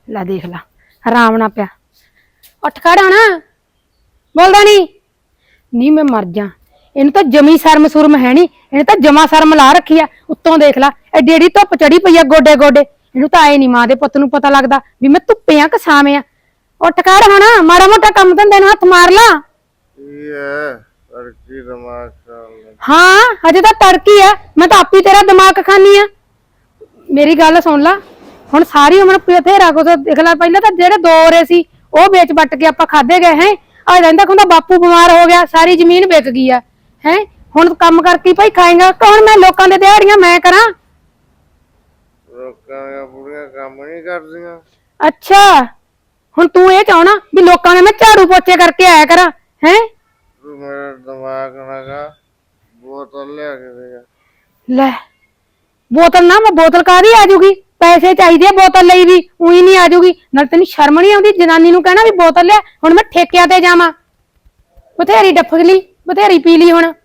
ਲੈ ਦੇਖ ਲਾ ਆਰਾਮ ਨਾ ਪਿਆ। ਉੱਠ ਖੜਾ ਨਾ, ਬੋਲਦਾ ਨਹੀਂ ਮੈਂ ਮਰ ਜਾ। ਇਹਨੂੰ ਤਾਂ ਜਮੀ ਸ਼ਰਮ ਸੁਰਮ ਹੈ ਨੀ, ਇਹਨੇ ਤਾਂ ਜਮਾ ਸ਼ਰਮ ਲਾ ਰੱਖੀ ਆ। ਉੱਤੋਂ ਦੇਖ ਲਾ ਐਡੀ ਐਡੀ ਧੁੱਪ ਚੜੀ ਪਈ ਆ ਗੋਡੇ ਗੋਡੇ। ਇਹਨੂੰ ਤਾਂ ਆਏ ਨੀ ਮਾਂ ਦੇ ਪੁੱਤ ਨੂੰ ਪਤਾ ਲੱਗਦਾ ਵੀ ਮੈਂ ਧੁੱਪੇ ਆ ਕਿ ਛਾਵੇਂ ਆ। ਉੱਠ ਖੜ ਹੁਣ, ਮਾੜਾ ਮੋਟਾ ਕੰਮ ਧੰਦੇ ਨੂੰ ਹੱਥ ਮਾਰ ਲਾ। ਹਾਂ ਹਜੇ ਤਾਂ ਤੜਕੀ ਆ, ਮੈਂ ਤਾਂ ਆਪੀ ਤੇਰਾ ਦਿਮਾਗ ਖਾਨੀ ਆ। ਮੇਰੀ ਗੱਲ ਸੁਣ ਲਾ, ਹੁਣ ਸਾਰੀ ਉਮਰ ਬਥੇਰਾ ਕੁਛ ਦੇਖ ਲਾ। ਪਹਿਲਾਂ ਤਾਂ ਜਿਹੜੇ ਦੋ ਓਰੇ ਸੀ ਉਹ ਵੇਚ ਵੱਟ ਕੇ ਆਪਾਂ ਖਾਦੇ ਗਏ ਹੈ। ਆ ਰਹਿੰਦਾ ਖੁੰਦਾ ਬਾਪੂ ਬਿਮਾਰ ਹੋ ਗਿਆ, ਸਾਰੀ ਜ਼ਮੀਨ ਵਿਕ ਗਈ ਆ ਹੈ। ਹੁਣ ਕੰਮ ਕਰਕੇ ਭਾਈ ਖਾਏਗਾ ਕੌਣ? ਮੈਂ ਲੋਕਾਂ ਦੇ ਦਿਹਾੜੀਆਂ ਮੈਂ ਕਰਾਂ? ਲੋਕਾਂ ਦੀਆਂ ਬੁੜੀਆਂ ਕੰਮ ਨਹੀਂ ਕਰਦੀਆਂ। ਅੱਛਾ ਹੁਣ ਤੂੰ ਇਹ ਚਾਹਣਾ ਵੀ ਲੋਕਾਂ ਨੇ ਮੈਂ ਝਾੜੂ ਪੋਚੇ ਕਰਕੇ ਆਇਆ ਕਰਾਂ ਹੈ? ਤੂੰ ਮੇਰਾ ਦਿਮਾਗ ਨਾਗਾ ਬੋਤਲ ਲਿਆ ਕੇ ਦੇ। ਲੈ ਬੋਤਲ ਨਾ, ਮੈਂ ਬੋਤਲ ਕਾਹਦੀ ਆ ਜੂਗੀ? ਪੈਸੇ ਚਾਹੀਦੇ ਆ ਬੋਤਲ ਲਈ ਵੀ, ਉਹੀ ਨਹੀਂ ਆ ਜੂਗੀ। ਨਾਲ ਤੈਨੂੰ ਸ਼ਰਮ ਨਹੀਂ ਆਉਂਦੀ ਜਨਾਨੀ ਨੂੰ ਕਹਿਣਾ ਵੀ ਬੋਤਲ ਲਿਆ? ਹੁਣ ਮੈਂ ਠੇਕਿਆਂ ਤੇ ਜਾਵਾਂ? ਬਥੇਰੀ ਡੱਫ ਲਈ, ਬਥੇਰੀ ਪੀ ਲਈ ਹੁਣ।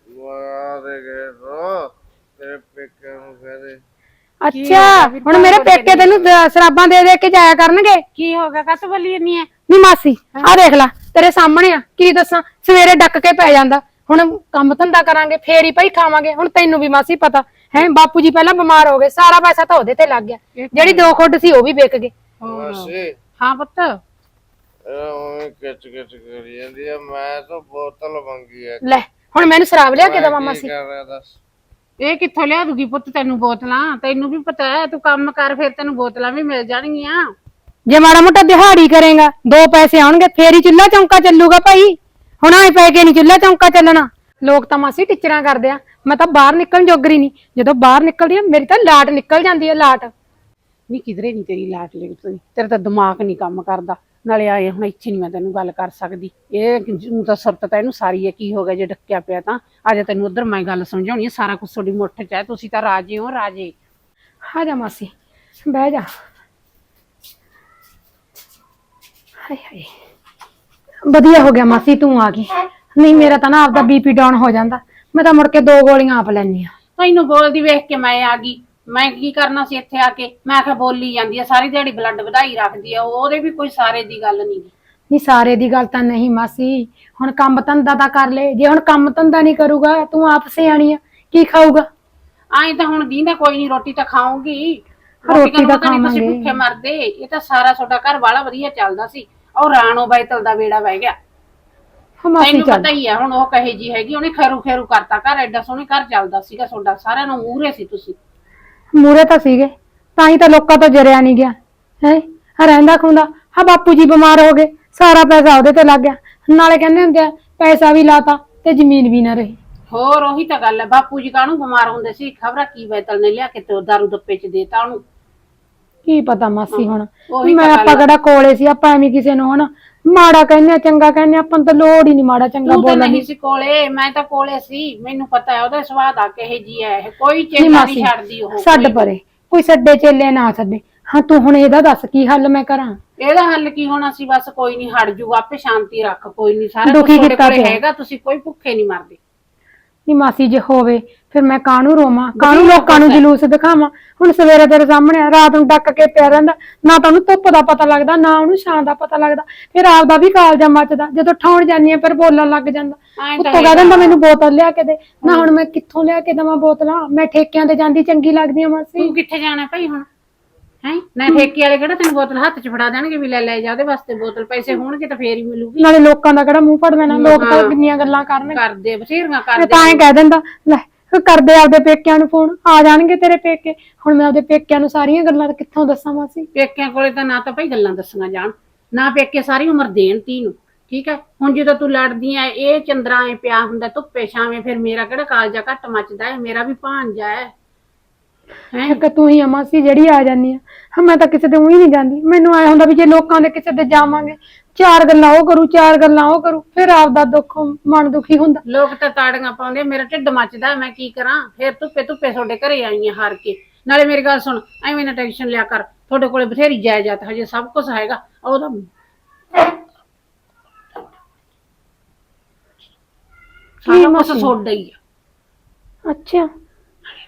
ਤੇਰੇ ਪੇਕਿਆਂ ਨੂੰ ਕਹਦੇ। ਅੱਛਾ ਹੁਣ ਮੇਰੇ ਪੇਕੇ ਤੈਨੂੰ ਸ਼ਰਾਬਾਂ ਦੇ ਦੇ ਕੇ ਜਾਇਆ ਕਰਨਗੇ? ਕੀ ਹੋ ਗਿਆ? ਕਸ ਬੋਲੀ ਜਾਂਦੀ ਐ? ਨੀ ਮਾਸੀ ਆ ਦੇਖ ਲੈ ਤੇਰੇ ਸਾਹਮਣੇ ਆ, ਕੀ ਦੱਸਾਂ। ਸਵੇਰੇ ਡੱਕ ਕੇ ਪੈ ਜਾਂਦਾ, ਹੁਣ ਕੰਮ ਧੰਦਾ ਕਰਾਂਗੇ ਫੇਰ ਹੀ ਭਾਈ ਖਾਵਾਂਗੇ। ਹੁਣ ਤੈਨੂੰ ਵੀ ਮਾਸੀ ਪਤਾ ਹੈ, ਬਾਪੂ ਜੀ ਪਹਿਲਾਂ ਬਿਮਾਰ ਹੋ ਗਏ, ਸਾਰਾ ਪੈਸਾ ਤਾਂ ਉਹਦੇ ਤੇ ਲੱਗ ਗਿਆ। ਜਿਹੜੀ 2 ਖੁੱਡ ਸੀ ਉਹ ਵੀ ਵਿਕ ਗਏ। ਹਾਂ ਪੁੱਤ ਉਹ ਕਿਚ ਕਿਚ ਕਰੀ ਜਾਂਦੀ ਆ। ਮੈਂ ਤਾਂ ਬੋਤਲ ਮੰਗੀ ਆ। ਲੈ ਹੁਣ ਮੈਨੂੰ ਸ਼ਰਾਬ ਲਿਆ ਕੇ ਦਵਾ ਮਾਸੀ? ਇਹ ਕਿੱਥੋਂ ਲਿਆ ਦੂਗੀ ਪੁੱਤ ਤੈਨੂੰ ਬੋਤਲਾਂ? ਤੈਨੂੰ ਵੀ ਪਤਾ ਹੈ, ਤੂੰ ਕੰਮ ਕਰ ਫਿਰ ਤੈਨੂੰ ਬੋਤਲਾਂ ਵੀ ਮਿਲ ਜਾਣਗੀਆਂ। ਜੇ ਮਾੜਾ ਮੋਟਾ ਦਿਹਾੜੀ ਕਰੇਗਾ 2 ਪੈਸੇ ਆਉਣਗੇ ਫੇਰ ਹੀ ਚੁੱਲ੍ਹਾ ਚੌਂਕਾ ਚੱਲੂਗਾ ਭਾਈ। ਹੁਣ ਆਏ ਪੈ ਕੇ ਨੀ ਚੁੱਲ੍ਹਾ ਚੌਂਕਾ ਚੱਲਣਾ। ਲੋਕ ਤਾਂ ਮਾਸੀ ਟਿਚਰਾਂ ਕਰਦੇ ਆ, ਮੈਂ ਤਾਂ ਬਾਹਰ ਨਿਕਲਣ ਜੋਗਰੀ ਨਹੀਂ। ਜਦੋਂ ਬਾਹਰ ਨਿਕਲਦੀ ਆ ਮੇਰੀ ਤਾਂ ਲਾਟ ਨਿਕਲ ਜਾਂਦੀ ਆ, ਲਾਟ। ਨਹੀਂ ਕਿਧਰੇ ਨਹੀਂ ਤੇਰੀ ਲਾਟ ਲਿਖਦੀ, ਤੇਰਾ ਤਾਂ ਦਿਮਾਗ ਨਹੀਂ ਕੰਮ ਕਰਦਾ। ਨਾਲੇ ਆਏ ਹੁਣ ਇੱਥੇ ਨਹੀਂ ਮੈਂ ਤੈਨੂੰ ਗੱਲ ਕਰ ਸਕਦੀ। ਇਹ ਤਾਂ ਸੁਰਤ ਤਾਂ ਇਹਨੂੰ ਸਾਰੀ ਹੈ। ਕੀ ਹੋ ਗਿਆ ਜੇ ਡੱਕਿਆ ਪਿਆ ਤਾਂ? ਅੱਜ ਤੈਨੂੰ ਉਧਰ ਮੈਂ ਗੱਲ ਸਮਝਾਉਣੀ ਹੈ। ਸਾਰਾ ਕੁਝ ਤੁਹਾਡੀ ਮੁੱਠ 'ਚ ਹੈ, ਤੁਸੀਂ ਤਾਂ ਰਾਜੇ ਹੋ ਰਾਜੇ। ਆ ਜਾ ਮਾਸੀ ਬਹਿ ਜਾ। ਹਾਏ ਹਾਏ ਵਧੀਆ ਹੋ ਗਿਆ ਮਾਸੀ ਤੂੰ ਆ ਗਈ, ਨਹੀਂ ਮੇਰਾ ਤਾਂ ਨਾ ਆਪਦਾ ਬੀਪੀ ਡਾਊਨ ਹੋ ਜਾਂਦਾ। ਮੈਂ ਤਾਂ ਮੁੜ ਕੇ 2 ਗੋਲੀਆਂ ਆਪ ਲੈਣੀ ਆ। ਤੈਨੂੰ ਬੋਲਦੀ ਵੇਖ ਕੇ ਮੈਂ ਆ ਗਈ। ਮੈਂ ਕੀ ਕਰਨਾ ਸੀ ਇੱਥੇ ਆ ਕੇ? ਮੈਂ ਆਖਿਆ ਬੋਲੀ ਜਾਂਦੀ ਆ ਸਾਰੀ ਦਿਹਾੜੀ, ਬਲੱਡ ਵਧਾਈ ਰੱਖਦੀ ਆ। ਉਹਦੇ ਵੀ ਕੋਈ ਸਾਰੇ ਦੀ ਗੱਲ ਨਹੀਂ। ਨਹੀਂ ਸਾਰੇ ਦੀ ਗੱਲ ਤਾਂ ਨਹੀਂ ਮਾਸੀ, ਹੁਣ ਕੰਮ ਧੰਦਾ ਤਾਂ ਕਰ ਲੈ। ਜੇ ਹੁਣ ਕੰਮ ਧੰਦਾ ਨਹੀਂ ਕਰੂਗਾ, ਤੂੰ ਆਪ ਸਿਆਣੀ ਆ, ਕੀ ਖਾਊਗਾ? ਆਏ ਤਾਂ ਹੁਣ ਦੀਂਦਾ ਕੋਈ ਨਹੀਂ, ਰੋਟੀ ਤਾਂ ਖਾਊਂਗੀ। ਰੋਟੀ ਤਾਂ ਤੁਸੀਂ ਖਾਵਾਂਗੇ। ਭੁੱਖੇ ਮਰਦੇ। ਇਹ ਤਾਂ ਸਾਰਾ ਤੁਹਾਡਾ ਘਰ ਵਾਲਾ ਵਧੀਆ ਚੱਲਦਾ ਸੀ। ਉਹ ਰਾਣੋ ਬਾਈਤਲ ਦਾ ਵੇੜਾ ਵਹਿ ਗਿਆ। ਮਾਸੀ ਤੈਨੂੰ ਚੱਲ ਪਤਾ ਹੀ ਆ ਹੁਣ ਉਹ ਕਹੇ ਜੀ ਹੈਗੀ। ਉਹਨੇ ਖੈਰੂ ਖੈਰੂ ਕਰਤਾ ਘਰ, ਐਡਾ ਸੋਹਣੇ ਘਰ ਚੱਲਦਾ ਸੀਗਾ ਤੁਹਾਡਾ, ਸਾਰਿਆਂ ਨੂੰ ਮੂਹਰੇ ਸੀ ਤੁਸੀਂ। ਮੂਰੇ ਤਾਂ ਸੀਗੇ, ਤਾਂ ਹੀ ਤਾਂ ਲੋਕਾਂ ਤੋਂ ਜਰਿਆ ਨਹੀਂ ਗਿਆ ਹੈ। ਰਹਿੰਦਾ ਖੁੰਦਾ ਹਾਂ ਬਾਪੂ ਜੀ ਬਿਮਾਰ ਹੋ ਗਏ, ਸਾਰਾ ਪੈਸਾ ਉਹਦੇ ਤੇ ਲੱਗ ਗਿਆ। ਨਾਲੇ ਕਹਿੰਦੇ ਹੁੰਦੇ ਆ ਪੈਸਾ ਵੀ ਲਾਤਾ ਤੇ ਜ਼ਮੀਨ ਵੀ ਨਾ ਰਹੀ। ਹੋਰ ਉਹੀ ਤਾਂ ਗੱਲ ਹੈ। ਬਾਪੂ ਜੀ ਕਾਹਨੂੰ ਬਿਮਾਰ ਹੁੰਦੇ ਸੀ? ਖਬਰਾਂ ਕੀ ਬੈਤਲ ਨੇ ਲਿਆ ਕੇ ਤੇ ਦਾਰੂ ਦੱਪੇ ਚ ਦੇਤਾ ਉਹਨੂੰ। ਕੀ ਪਤਾ ਮਾਸੀ, ਹੁਣ ਉਹੀ ਮੈਂ ਆਪਾਂ ਕਿਹੜਾ ਕੋਲੇ ਸੀ? ਆਪਾਂ ਐਵੇਂ ਕਿਸੇ ਨੂੰ ਹੁਣ ਮਾੜਾ ਕਹਿੰਦੇ ਆ ਚੰਗਾ ਕਹਿੰਦੇ, ਆਪਾਂ ਨੂੰ ਤਾਂ ਲੋੜ ਹੀ ਨਹੀਂ ਮਾੜਾ ਚੰਗਾ ਤੂੰ ਤਾਂ ਬੋਲਣ ਨਹੀਂ ਦੀ। ਸੀ ਕੋਲੇ, ਮੈਂ ਤਾਂ ਕੋਲੇ ਸੀ। ਮੈਨੂੰ ਪਤਾ ਹੈ ਉਹਦਾ ਸੁਭਾਅ ਦਾ ਕਿਹੇ ਜੀ ਹੈ। ਇਹ ਕੋਈ ਚੇਲਾ ਨਹੀਂ ਛੱਡਦੀ ਉਹ। ਛੱਡ ਪਰੇ, ਕੋਈ ਛੱਡੇ ਚੇਲੇ ਨਾ ਛੱਡੇ। ਹਾਂ ਤੂੰ ਹੁਣ ਇਹਦਾ ਦੱਸ ਕੀ ਹੱਲ ਮੈਂ ਕਰਾਂ? ਇਹਦਾ ਹੱਲ ਕੀ ਹੋਣਾ ਸੀ? ਬਸ ਕੋਈ ਨਹੀਂ, ਹਟ ਜੂਗਾ ਆਪੇ। ਸ਼ਾਂਤੀ ਰੱਖ, ਕੋਈ ਨਹੀਂ। ਸਾਰਾ ਕੁਝ ਦੁਖੀ ਤੁਹਾਡੇ ਕੀਤਾ ਕੋਲੇ ਪਿਆ। ਹੈਗਾ, ਤੁਸੀਂ ਕੋਈ ਭੁੱਖੇ ਨਹੀਂ ਮਰਦੇ। ਨਹੀਂ ਮਾਸੀ ਜੇ ਹੋਵੇ ਫਿਰ ਮੈਂ ਕਾਹਨੂੰ ਰੋਵਾਂ, ਕਾਹਨੂੰ ਲੋਕਾਂ ਨੂੰ ਜਲੂਸ ਦਿਖਾਵਾਂ? ਹੁਣ ਸਵੇਰੇ ਤੇਰੇ ਸਾਹਮਣੇ ਰਾਤ ਨੂੰ ਡੱਕ ਕੇ ਪਿਆ ਰਹਿੰਦਾ, ਨਾ ਤਾਂ ਉਹਨੂੰ ਧੁੱਪ ਦਾ ਪਤਾ ਲੱਗਦਾ ਨਾ ਉਹਨੂੰ ਛਾਂ ਦਾ ਪਤਾ ਲੱਗਦਾ। ਫਿਰ ਆਪਦਾ ਵੀ ਕਾਲਜਾ ਮੱਚਦਾ, ਜਦੋਂ ਠਾਉਣ ਜਾਂਦੀ ਆ ਫਿਰ ਬੋਲਣ ਲੱਗ ਜਾਂਦਾ। ਉੱਤੋਂ ਕਹਿ ਦਿੰਦਾ ਮੈਨੂੰ ਬੋਤਲ ਲਿਆ ਕੇ ਦੇ। ਨਾ ਹੁਣ ਮੈਂ ਕਿੱਥੋਂ ਲਿਆ ਕੇ ਦੇਵਾਂ ਬੋਤਲਾਂ? ਮੈਂ ਠੇਕਿਆਂ ਤੇ ਜਾਂਦੀ ਚੰਗੀ ਲੱਗਦੀ ਆ ਮਾਸੀ। ਤੂੰ ਕਿੱਥੇ ਜਾਣਾ ਭਾਈ ਹੁਣ ਹੈ? ਨਾ ਠੇਕੇ ਵਾਲੇ ਕਿਹੜਾ ਤੈਨੂੰ ਬੋਤਲ ਹੱਥ 'ਚ ਫੜਾ ਦੇਣਗੇ ਵੀ ਲੈ ਜਾ ਉਹਦੇ ਵਾਸਤੇ ਬੋਤਲ? ਪੈਸੇ ਹੋਣਗੇ ਤਾਂ ਫੇਰ ਹੀ ਮਿਲੂਗੀ। ਨਾਲੇ ਲੋਕਾਂ ਦਾ ਕਿਹੜਾ ਮੂੰਹ ਫੜ ਲੈਣਾ, ਲੋਕ ਤਾਂ ਕਿੰਨੀਆਂ ਗੱਲਾਂ ਕਰਨਗੇ। ਕਰਦੇ ਬਥੇਰੀਆਂ ਮੈਂ ਕਰਦੇ। ਤਾਂ ਐਂ ਕਹਿ ਦਿੰਦਾ ਲੈ ਕਰਦੇ ਆਪਦੇ ਪੇਕਿਆਂ ਨੂੰ ਫੋਨ, ਆ ਜਾਣਗੇ ਤੇਰੇ ਪੇਕੇ। ਹੁਣ ਮੈਂ ਆਪਦੇ ਪੇਕਿਆਂ ਨੂੰ ਸਾਰੀਆਂ ਗੱਲਾਂ ਕਿੱਥੋਂ ਦੱਸਾਂ ਮਾਸੀ? ਪੇਕਿਆਂ ਕੋਲੇ ਤਾਂ ਨਾ ਤਾਂ ਭਾਈ ਗੱਲਾਂ ਦੱਸੀਆਂ ਜਾਣ, ਨਾ ਪੇਕੇ ਸਾਰੀ ਉਮਰ ਦੇਣ ਧੀ ਨੂੰ। ਠੀਕ ਹੈ, ਹੁਣ ਜਦੋਂ ਤੂੰ ਲੜਦੀ ਐ, ਇਹ ਚੰਦਰਾ ਐ ਪਿਆ ਹੁੰਦਾ ਧੁੱਪੇ ਛਾਵੇਂ, ਫਿਰ ਮੇਰਾ ਕਿਹੜਾ ਕਾਲਜਾ ਘੱਟ ਮੱਚਦਾ ਹੈ? ਮੇਰਾ ਵੀ ਭਾਂਜਾ ਹੈ। ਇੱਕ ਤੂੰ ਹੀ ਆ ਮਾਸੀ ਜਿਹੜੀ ਆ ਜਾਂਦੀ ਆ। ਮੈਂ ਤਾਂ ਕਿਸੇ ਤੇ ਉਹੀ ਨਹੀਂ ਜਾਂਦੀ। ਮੈਨੂੰ ਆਇਆ ਹੁੰਦਾ ਵੀ ਜੇ ਲੋਕਾਂ ਦੇ ਕਿਸੇ ਤੇ ਜਾਵਾਂਗੇ, 4 ਗੱਲਾਂ ਉਹ ਕਰੂ 4 ਗੱਲਾਂ ਉਹ ਕਰੂ, ਫਿਰ ਆਪਦਾ ਦੁੱਖ ਮਨ ਦੁਖੀ ਹੁੰਦਾ। ਲੋਕ ਤਾਂ ਤਾੜੀਆਂ ਪਾਉਂਦੇ, ਮੇਰਾ ਢਿੱਡ ਮੱਚਦਾ, ਮੈਂ ਕੀ ਕਰਾਂ? ਫਿਰ ਧੁੱਪੇ ਤੁਹਾਡੇ ਘਰੇ ਆਈ ਆ ਹਾਰ ਕੇ। ਨਾਲੇ ਮੇਰੀ ਗੱਲ ਸੁਣ, ਐਵੇਂ ਨਾ ਟੈਨਸ਼ਨ ਲਿਆ ਕਰ। ਤੁਹਾਡੇ ਕੋਲੇ ਬਥੇਰੀ ਜਾਇਦਾਦ, ਹਜੇ ਸਭ ਕੁਝ ਹੈਗਾ। ਉਹਦਾ ਸਾਰਾ ਕੁਝ ਤੁਹਾਡਾ ਹੀ ਆ। ਅੱਛਾ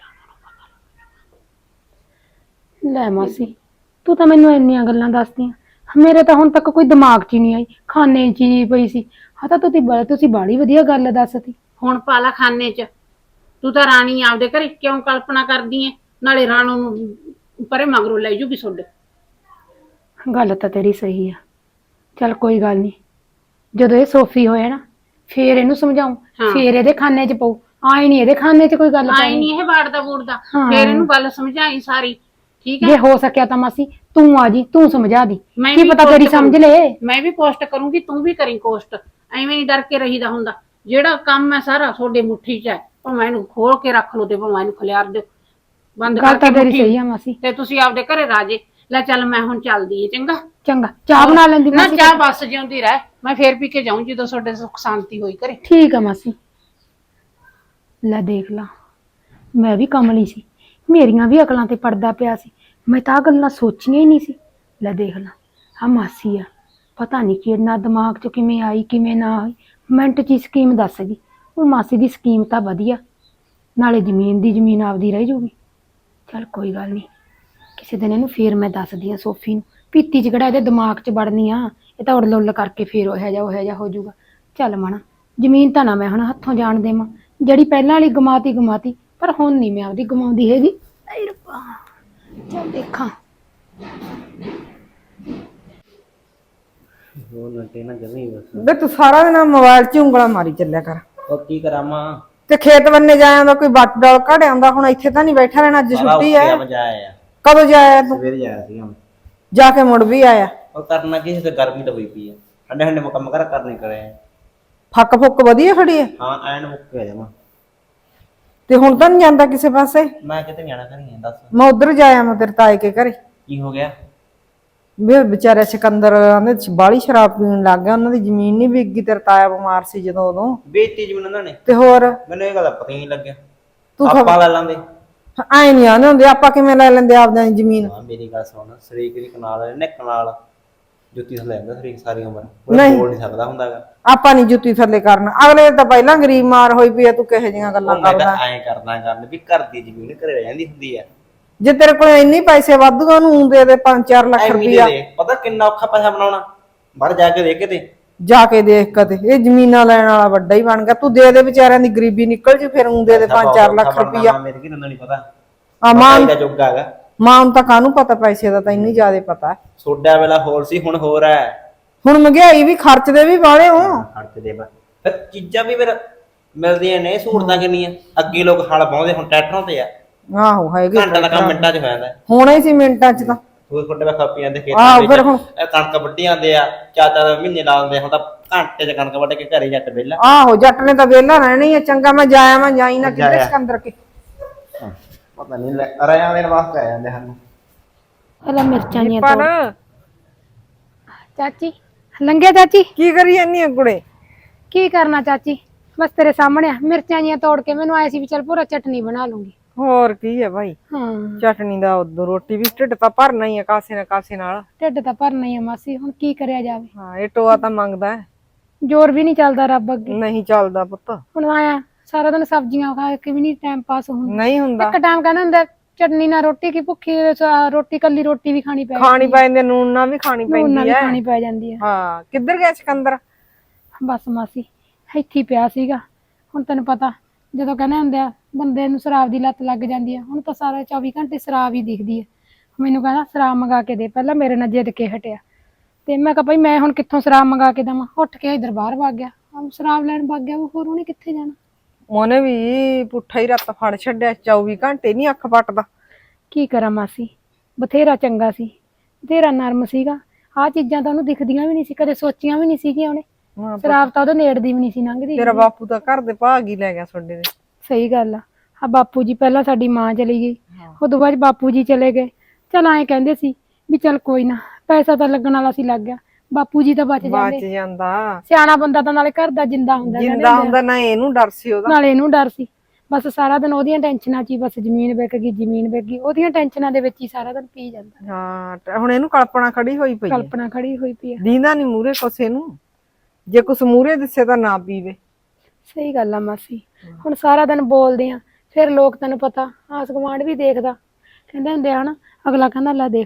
ਲੈ ਮਾਸੀ, ਤੂੰ ਤਾਂ ਮੈਨੂੰ ਇੰਨੀਆਂ ਗੱਲਾਂ ਦੱਸਦੀਆਂ, ਮੇਰੇ ਤਾਂ ਹੁਣ ਤੱਕ ਕੋਈ ਦਿਮਾਗ 'ਚ ਹੀ ਨਹੀਂ ਆਈ, ਖਾਨੇ 'ਚ ਹੀ ਪਈ ਸੀ। ਹਾਂ ਤਾਂ ਤੁਸੀਂ ਬਾੜੀ ਵਧੀਆ ਗੱਲ ਦੱਸਤੀ। ਹੁਣ ਪਾਲਾ ਖਾਨੇ 'ਚ ਤੂੰ ਤਾਂ ਰਾਣੀ ਆਪਦੇ ਘਰੇ ਕਿਉਂ ਕਲਪਨਾ ਕਰਦੀ ਐ? ਨਾਲੇ ਰਾਣੋ ਨੂੰ ਪਰੇ ਮਗਰੋਂ ਲੈ ਜੂਗੀ ਤੁਹਾਡੇ। ਗੱਲ ਤਾਂ ਤੇਰੀ ਸਹੀ ਆ। ਚੱਲ ਕੋਈ ਗੱਲ ਨਹੀਂ, ਜਦੋਂ ਇਹ ਸੋਫੀ ਹੋਇਆ ਨਾ ਫੇਰ ਇਹਨੂੰ ਸਮਝਾਉ, ਹਾਂ। ਫੇਰ ਇਹਦੇ ਖਾਨੇ 'ਚ ਪਊ। ਆਏ ਨਹੀਂ ਇਹਦੇ ਖਾਨੇ 'ਚ ਕੋਈ ਗੱਲ ਆਈ ਪੈਣੀ। ਨਹੀਂ ਇਹ ਵਾੜਦਾ ਬੂੜਦਾ, ਹਾਂ। ਫੇਰ ਇਹਨੂੰ ਗੱਲ ਸਮਝਾਈ ਸਾਰੀ, ਠੀਕ ਹੈ? ਜੇ ਹੋ ਸਕਿਆ ਤਾਂ ਮਾਸੀ ਤੂੰ ਆ ਜੀ, ਤੂੰ ਸਮਝਾ ਦੀ, ਮੈਂ ਕੀ ਵੀ ਪਤਾ ਤੇਰੀ ਕੋਸ਼ਟ ਸਮਝ ਲੈ। ਮੈਂ ਵੀ ਕੋਸ਼ਟ ਕਰੂੰਗੀ, ਤੂੰ ਵੀ ਕਰੀ ਕੋਸ਼ਟ। ਐਵੇਂ ਨਹੀਂ ਡਰ ਕੇ ਰਹੀਦਾ ਹੁੰਦਾ। ਜਿਹੜਾ ਕੰਮ ਹੈ ਸਾਰਾ ਤੁਹਾਡੇ ਮੁੱਠੀ 'ਚ ਹੈ, ਭਾਵੇਂ ਇਹਨੂੰ ਖੋਲ ਕੇ ਰੱਖ ਲਓ ਤੇ ਭਾਵੇਂ ਇਹਨੂੰ ਖਿਲਾਰ ਦਿਓ, ਬੰਦ ਗੱਲ ਤਾਂ ਕਰਕੇ ਤੇਰੀ ਮੁੱਠੀ। ਸਹੀ ਆ ਮਾਸੀ। ਤੇ ਤੁਸੀਂ ਆਪਦੇ ਘਰੇ ਰਾਜੇ। ਲੈ ਚੱਲ ਮੈਂ ਹੁਣ ਚੱਲਦੀ ਏ, ਚੰਗਾ? ਚੰਗਾ, ਚਾਹ ਬਣਾ ਲੈਂਦੀ ਨਾ ਮਾਸੀ। ਚਾਹ ਬਸ ਜਿਉਂਦੀ ਰਹਿ, ਮੈਂ ਫੇਰ ਪੀ ਕੇ ਜਾਊਂ ਜਦੋਂ ਤੁਹਾਡੇ ਸੁੱਖ ਸ਼ਾਂਤੀ ਹੋਈ ਘਰੇ। ਠੀਕ ਆ ਮਾਸੀ। ਲੈ ਦੇਖ ਲਾ, ਮੈਂ ਵੀ ਕਮਲੀ ਸੀ, ਮੇਰੀਆਂ ਵੀ ਅਕਲਾਂ ਤੇ ਪੜਦਾ ਪਿਆ ਸੀ। ਮੈਂ ਤਾਂ ਆਹ ਗੱਲਾਂ ਸੋਚੀਆਂ ਹੀ ਨਹੀਂ ਸੀ। ਲੈ ਦੇਖ ਲਾ, ਆ ਮਾਸੀ ਆ, ਪਤਾ ਨਹੀਂ ਕਿੰਨਾ ਦਿਮਾਗ 'ਚ ਕਿਵੇਂ ਆਈ ਕਿਵੇਂ ਨਾ ਆਈ, ਮਿੰਟ 'ਚ ਹੀ ਸਕੀਮ ਦੱਸ ਗਈ। ਉਹ ਮਾਸੀ ਦੀ ਸਕੀਮ ਤਾਂ ਵਧੀਆ, ਨਾਲੇ ਜ਼ਮੀਨ ਦੀ ਜ਼ਮੀਨ ਆਪਦੀ ਰਹਿ ਜੂਗੀ। ਚੱਲ ਕੋਈ ਗੱਲ ਨਹੀਂ, ਕਿਸੇ ਦਿਨ ਇਹਨੂੰ ਫੇਰ ਮੈਂ ਦੱਸਦੀ ਆ ਸੋਫੀ ਨੂੰ। ਪੀਤੀ 'ਚ ਕਿਹੜਾ ਇਹਦੇ ਦਿਮਾਗ 'ਚ ਵੜਨੀ ਆ, ਇਹ ਤਾਂ ਉੜਲ ਉੜਲ ਕਰਕੇ ਫੇਰ ਉਹ ਜਿਹਾ ਹੋ ਜਾਊਗਾ। ਚੱਲ ਮਣਾ, ਜ਼ਮੀਨ ਤਾਂ ਨਾ ਮੈਂ ਹੁਣ ਹੱਥੋਂ ਜਾਣ ਦੇਵਾਂ, ਜਿਹੜੀ ਪਹਿਲਾਂ ਵਾਲੀ ਗਮਾਤੀ, ਪਰ ਹੁਣ ਨਹੀਂ ਮੈਂ ਆਪਦੀ ਗਮਾਉਂਦੀ ਹੈਗੀ। ਆਏ ਰੱਬਾ, ਚੱਲ ਦੇਖਾਂ। ਉਹ ਨੱਟੇ ਨਾ ਜਮੀ ਬਸ। ਬੇ ਤੂੰ ਸਾਰਾ ਦਿਨ ਮੋਬਾਈਲ 'ਚ ਉਂਗਲਾਂ ਮਾਰੀ ਚੱਲਿਆ ਕਰ। ਉਹ ਕੀ ਕਰਾਂ ਮਾਂ, ਤੇ ਖੇਤ ਬੰਨੇ ਜਾ ਆਉਂਦਾ, ਕੋਈ ਬੱਟ ਡਾਲ ਘੜ ਆਉਂਦਾ। ਹੁਣ ਇੱਥੇ ਤਾਂ ਨਹੀਂ ਬੈਠਾ ਰਹਿਣਾ, ਅੱਜ ਛੁੱਟੀ ਆ ਹੈ। ਵਜਾਇਆ ਆ ਕਦੋਂ ਜਾਇਆ ਤੂੰ? ਸਵੇਰੇ ਜਾਇਆ ਸੀਗਾ ਮੈਂ। ਜਾ ਕੇ ਮੁੜ ਵੀ ਆਇਆ। ਉਹ ਕਰਨਾ ਕੀ ਸੀ, ਤੇ ਗਰਮੀ ਤਾਂ ਹੋਈ ਪਈ ਆ, ਠੰਡੇ ਠੰਡੇ ਕੰਮ ਕਰਨੇ ਕਰੇ। ਫੱਕ ਫੁੱਕ ਵਧੀਆ ਖੜੀ ਹੈ। ਹਾਂ ਐਨ ਮੁੱਕ ਗਿਆ ਜਮਾ। ਤੇ ਹੁਣ ਤਾਂ ਨਹੀਂ ਜਾਂਦਾ ਕਿਸੇ ਪਾਸੇ? ਮੈਂ ਕਿਤੇ ਜਾਣਾ ਕਰੀ ਦੱਸ ਮੈਂ ਉਧਰ ਜਾਇਆ, ਮੈਂ ਤੇਰੇ ਤਾਏ ਕੇ ਘਰੇ। ਕੀ ਹੋ ਗਿਆ? ਵੇ ਵਿਚਾਰੇ ਸਿਕੰਦਰ ਆਂਦੇ ਬਾਲੀ ਸ਼ਰਾਬ ਪੀਣ ਲੱਗ ਗਿਆ, ਉਹਨਾਂ ਦੀ ਜ਼ਮੀਨ ਨਹੀਂ ਵਿਕ ਗਈ। ਤੇਰਾ ਤਾਇਆ ਬਿਮਾਰ ਸੀ ਜਦੋਂ, ਉਦੋਂ ਬੇਇੱਜ਼ਤੀ ਜ਼ਮੀਨ ਉਹਨਾਂ ਨੇ। ਤੇ ਹੋਰ ਮੈਨੂੰ ਇਹ ਗੱਲ ਦਾ ਪਤਾ ਹੀ ਨਹੀਂ ਲੱਗਿਆ। ਤੂੰ ਆਪਾਂ ਲੈ ਲਾਂਦੇ। ਐ ਨਹੀਂ ਆਉਂਦੇ ਹੁੰਦੇ, ਆਪਾਂ ਕਿਵੇਂ ਲੈ ਲੈਂਦੇ ਆਪਦਿਆਂ ਦੀ ਜ਼ਮੀਨ? ਹਾਂ ਮੇਰੀ ਗੱਲ ਸੁਣ, ਸ਼ਰੀਕ ਦੀ ਕਨਾਲ ਨਿੱਕ ਨਾਲ ਜੁੱਤੀ ਥੱਲੇ ਜਾਂਦਾ ਸ਼ਰੀਕ ਸਾਰੀ ਉਮਰ, ਨਹੀਂ। ਉਹ ਬੋਲ ਨਹੀਂ ਸਕਦਾ ਹੁੰਦਾਗਾ। ਆਪਾਂ ਨਹੀਂ ਜੁੱਤੀ ਥੱਲੇ ਕਰਨਾ, ਅਗਲੇ ਤਾਂ ਪਹਿਲਾਂ ਗਰੀਬ ਮਾਰ ਹੋਈ ਪਈ ਆ, ਤੂੰ ਕਿਹੋ ਜਿਹੀਆਂ ਗੱਲਾਂ ਮੈਂ ਕਰਦਾ? ਤਾਂ ਐਂ ਕਰਦਾ ਗੱਲ ਵੀ ਘਰ ਦੀ ਜ਼ਮੀਨ ਘਰੇ ਰਹਿ ਜਾਂਦੀ ਹੁੰਦੀ ਆ। ਜੇ ਤੇਰੇ ਕੋਲ ਇੰਨੇ ਪੈਸੇ ਵਾਧੂ, ਉਹਨੂੰ ਦੇ ਦੇ 5-4 ਲੱਖ ਐਵੇਂ ਰੁਪਇਆ। ਦੇ ਪਤਾ ਕਿੰਨਾ ਔਖਾ ਪੈਸਾ ਬਣਾਉਣਾ, ਬਾਹਰ ਜਾ ਕੇ ਦੇਖ ਕਿਤੇ। ਜਾ ਕੇ ਦੇਖ ਕਦੇ, ਇਹ ਜ਼ਮੀਨਾਂ ਲੈਣ ਵਾਲਾ ਵੱਡਾ ਹੀ ਬਣ ਗਿਆ। ਤੂੰ ਦੇ ਦੇ ਵਿਚਾਰਿਆਂ ਦੀ ਗਰੀਬੀ ਨਿਕਲ ਜੂ, ਫਿਰ ਦੇ ਦੇ 5-4 ਲੱਖ ਰੁਪਇਆ। ਮੇਰੇ ਕੀ ਤੈਨੂੰ ਨਹੀਂ ਪਤਾ, ਆ ਮਾਂ ਦਾ ਜੁੱਗ ਹੈਗਾ। ਮਾਂ ਨੂੰ ਤਾਂ ਕਾਹਨੂੰ ਪਤਾ ਪੈਸੇ ਦਾ, ਤੈਨੂੰ ਜ਼ਿਆਦਾ ਪਤਾ ਹੈ। ਸੋਡਾ ਵੇਲਾ ਹੋਰ ਸੀ, ਹੁਣ ਹੋਰ ਹੈ। ਹੁਣ ਮਹਿੰਗਾਈ ਵੀ, ਖਰਚਦੇ ਵੀ ਵਾਲੇ ਹੋ। ਖਰਚ ਦੇ ਬਾ ਫਿਰ ਚੀਜ਼ਾਂ ਵੀ ਫਿਰ ਮਿਲਦੀਆਂ ਨੇ, ਸਹੂਲਤਾਂ ਕਿੰਨੀਆਂ। ਅੱਗੇ ਲੋਕ ਹਲ ਬਾਉਂਦੇ, ਹੁਣ ਟਰੈਕਟਰਾਂ ਤੇ ਆ। ਆਹੋ ਹੈਗੇ, ਘੰਟਾ ਦਾ ਕੰਮ ਮਿੰਟਾਂ 'ਚ ਹੋ ਜਾਂਦਾ। ਹੋਣਾ ਹੀ ਸੀ ਮਿੰਟਾਂ 'ਚ ਤਾਂ। ਹੋਰ ਤੁਹਾਡੇ ਵਾ ਖਾਪੀ ਜਾਂਦੇ ਆਹੋ, ਖੇਤਾਂ ਫਿਰ ਵਿੱਚ, ਹੁਣ ਇਹ ਕਣਕ ਵੱਢੀ ਜਾਂਦੇ ਆ, 4-4 ਮਹੀਨੇ ਲਾ ਦਿੰਦੇ। ਹੁਣ ਤਾਂ ਘੰਟੇ 'ਚ ਕਣਕ ਵੱਢ ਕੇ ਘਰੇ ਜੱਟ ਵਿਹਲਾ। ਆਹੋ, ਜੱਟ ਨੇ ਤਾਂ ਵਿਹਲਾ ਰਹਿਣਾ ਹੀ ਆ। ਚੰਗਾ ਮੈਂ ਜਾਇਆ, ਮੈਂ ਜਾਈ ਨਾ ਕਿਤੇ ਸਿਕੰਦਰ ਕੇ। ਪਤਾ ਨਹੀਂ ਰਿਆਂ ਦੇਣ ਵਾਸਤੇ ਆ ਜਾਂਦੇ ਹਨ। ਪਹਿਲਾਂ ਮਿਰਚਾਂ ਦੀਆਂ ਪਰ ਤੋੜ। ਚਾਚੀ ਲੰਘਿਆ ਚਾਚੀ? ਕੀ ਕਰੀ ਜਾਂਦੀ ਆ ਕੁੜੇ? ਕੀ ਕਰਨਾ ਚਾਚੀ, ਬਸ ਤੇਰੇ ਸਾਹਮਣੇ ਆ, ਮਿਰਚਾਂ ਜੀਆਂ ਤੋੜ ਕੇ ਮੈਨੂੰ ਆਏ ਸੀ ਵੀ ਚੱਲ ਪੂਰਾ ਚਟਨੀ ਬਣਾ ਲੂੰਗੀ। ਹੋਰ ਕੀ ਹੈ ਭਾਈ, ਹਾਂ, ਚਟਨੀ ਦਾ ਉਦੋਂ ਰੋਟੀ ਵੀ ਢਿੱਡ ਤਾਂ ਭਰਨਾ ਹੀ ਆ, ਕਾਸੇ ਨਾ ਕਾਸੇ ਨਾਲ। ਢਿੱਡ ਤਾਂ ਭਰਨਾ ਹੀ ਆ ਮਾਸੀ, ਹੁਣ ਕੀ ਕਰਿਆ ਜਾਵੇ। ਹਾਂ, ਇਹ ਟੋਆ ਤਾਂ ਮੰਗਦਾ ਹੈ। ਜ਼ੋਰ ਵੀ ਨਹੀਂ ਚੱਲਦਾ ਰੱਬ ਅੱਗੇ। ਨਹੀਂ ਚੱਲਦਾ ਪੁੱਤ, ਹੁਣ ਆਇਆ ਸਾਰਾ ਦਿਨ ਸਬਜ਼ੀਆਂ ਖਾ ਕੇ ਵੀ ਨਹੀਂ ਟਾਈਮ ਪਾਸ ਹੁੰਦਾ। ਨਹੀਂ ਹੁੰਦਾ। ਇੱਕ ਟਾਈਮ ਕਹਿੰਦਾ ਹੁੰਦਾ ਚਟਨੀ ਨਾਲ ਰੋਟੀ ਕੀ, ਭੁੱਖੀ ਰੋਟੀ, ਕੱਲੀ ਰੋਟੀ ਵੀ ਖਾਣੀ ਪੈ ਖਾਣੀ ਪੈਂਦੀ, ਨੂਨ ਨਾਲ ਵੀ ਖਾਣੀ ਨੂਨ ਨਾਲ ਪੈਂਦੀ ਵੀ ਹੈ। ਖਾਣੀ ਪੈ ਜਾਂਦੀ ਹੈ। ਹਾਂ, ਕਿੱਧਰ ਗਿਆ ਸਿਕੰਦਰ? ਬਸ ਮਾਸੀ ਇੱਥੇ ਹੀ ਪਿਆ ਸੀਗਾ। ਹੁਣ ਤੈਨੂੰ ਪਤਾ, ਜਦੋਂ ਕਹਿੰਦੇ ਹੁੰਦੇ ਆ ਬੰਦੇ ਨੂੰ ਸ਼ਰਾਬ ਦੀ ਲੱਤ ਲੱਗ ਜਾਂਦੀ ਹੈ, ਹੁਣ ਤਾਂ ਸਾਰਾ 24 ਘੰਟੇ ਸ਼ਰਾਬ ਹੀ ਦਿਖਦੀ ਹੈ। ਮੈਨੂੰ ਕਹਿੰਦਾ ਸ਼ਰਾਬ ਮੰਗਾ ਕੇ ਦੇ, ਪਹਿਲਾਂ ਮੇਰੇ ਨਾਲ ਜਿੱਦ ਕੇ ਹਟਿਆ। ਤੇ ਮੈਂ ਕਿਹਾ ਭਾਈ ਮੈਂ ਹੁਣ ਕਿੱਥੋਂ ਸ਼ਰਾਬ ਮੰਗਾ ਕੇ ਦੇਵਾਂ। ਉੱਠ ਕੇ ਇੱਧਰ ਬਾਹਰ ਵਗ ਗਿਆ, ਸ਼ਰਾਬ ਲੈਣ ਵਗ ਗਿਆ। ਹੋਰ ਉਹਨੇ ਕਿੱਥੇ ਜਾਣਾ? ਉਹਨੇ ਵੀ ਪੁੱਠਾ ਹੀ ਰੱਤ ਫੜ ਛੱਡਿਆ, 24 ਘੰਟੇ ਨਹੀਂ ਅੱਖ ਪੱਟਦਾ। ਕੀ ਕਰਾਂ ਮਾਸੀ, ਬਥੇਰਾ ਚੰਗਾ ਸੀ, ਬਥੇਰਾ ਨਰਮ ਸੀਗਾ। ਆਹ ਚੀਜ਼ਾਂ ਤਾਂ ਉਹਨੂੰ ਦਿਖਦੀਆਂ ਵੀ ਨਹੀਂ ਸੀ, ਕਦੇ ਸੋਚੀਆਂ ਵੀ ਨਹੀਂ ਸੀਗੀਆਂ ਉਹਨੇ। ਹਾਂ, ਸ਼ਰਾਬ ਤਾਂ ਉਹਦੇ ਨੇੜਦੀ ਵੀ ਨਹੀਂ ਸੀ ਲੰਘਦੀ। ਤੇਰਾ ਬਾਪੂ ਤਾਂ ਘਰ ਦੇ ਭਾਗ ਹੀ ਲੈ ਗਿਆ ਤੁਹਾਡੇ ਦੇ। ਸਹੀ ਗੱਲ ਆ ਬਾਪੂ ਜੀ, ਪਹਿਲਾਂ ਸਾਡੀ ਮਾਂ ਚਲੀ ਗਈ, ਉਦੋਂ ਬਾਅਦ ਬਾਪੂ ਜੀ ਚਲੇ ਗਏ। ਚਲ ਐਂ ਕਹਿੰਦੇ ਸੀ ਵੀ ਚੱਲ ਕੋਈ ਨਾ, ਪੈਸਾ ਤਾਂ ਲੱਗਣ ਵਾਲਾ ਸੀ, ਲੱਗ ਗਿਆ। ਬਾਪੂ ਜੀ ਤਾਂ ਬਚ ਜਾਂਦੇ। ਜਾਂਦਾ ਸਿਆਣਾ ਬੰਦਾ ਤਾਂ ਨਾਲੇ ਘਰ ਦਾ ਜਿੰਦਾ ਹੁੰਦਾ, ਜਿੰਦਾ ਹੁੰਦਾ ਨਾ, ਇਹਨੂੰ ਡਰ ਸੀ ਉਹਦਾ। ਨਾਲੇ ਇਹਨੂੰ ਡਰ ਸੀ। ਬਸ ਸਾਰਾ ਦਿਨ ਉਹਦੀਆਂ ਟੈਨਸ਼ਨਾਂ 'ਚ ਹੀ, ਬਸ ਜ਼ਮੀਨ ਵਿਕ ਗਈ, ਉਹਦੀਆਂ ਟੈਨਸ਼ਨਾਂ ਦੇ ਵਿੱਚ ਹੀ ਸਾਰਾ ਦਿਨ ਪੀ ਜਾਂਦਾ। ਹਾਂ, ਹੁਣ ਇਹਨੂੰ ਕਲਪਨਾ ਖੜੀ ਹੋਈ ਪਈ ਹੈ। ਕਲਪਨਾ ਖੜੀ ਹੋਈ ਪਈ ਆ। ਦੀਂਦਾ ਨਹੀਂ ਮੂਰੇ ਕੁਛ ਨੂੰ, ਜੇ ਕੁਛ ਮੂਰੇ ਦਿਸੇ ਤਾਂ ਨਾ ਪੀਵੇ। ਸਹੀ ਗੱਲ ਆ ਮਾਸੀ, ਹੁਣ ਸਾਰਾ ਦਿਨ ਬੋਲਦੇ ਆ, ਫਿਰ ਲੋਕ ਤੈਨੂੰ ਪਤਾ ਆਸ ਗੁਆਂਢ ਵੀ ਦੇਖਦਾ, ਕਹਿੰਦੇ ਹੁੰਦੇ ਆ ਨਾ, ਅਗਲਾ ਕਹਿੰਦਾ ਲੈ ਦੇਖ ਲਾ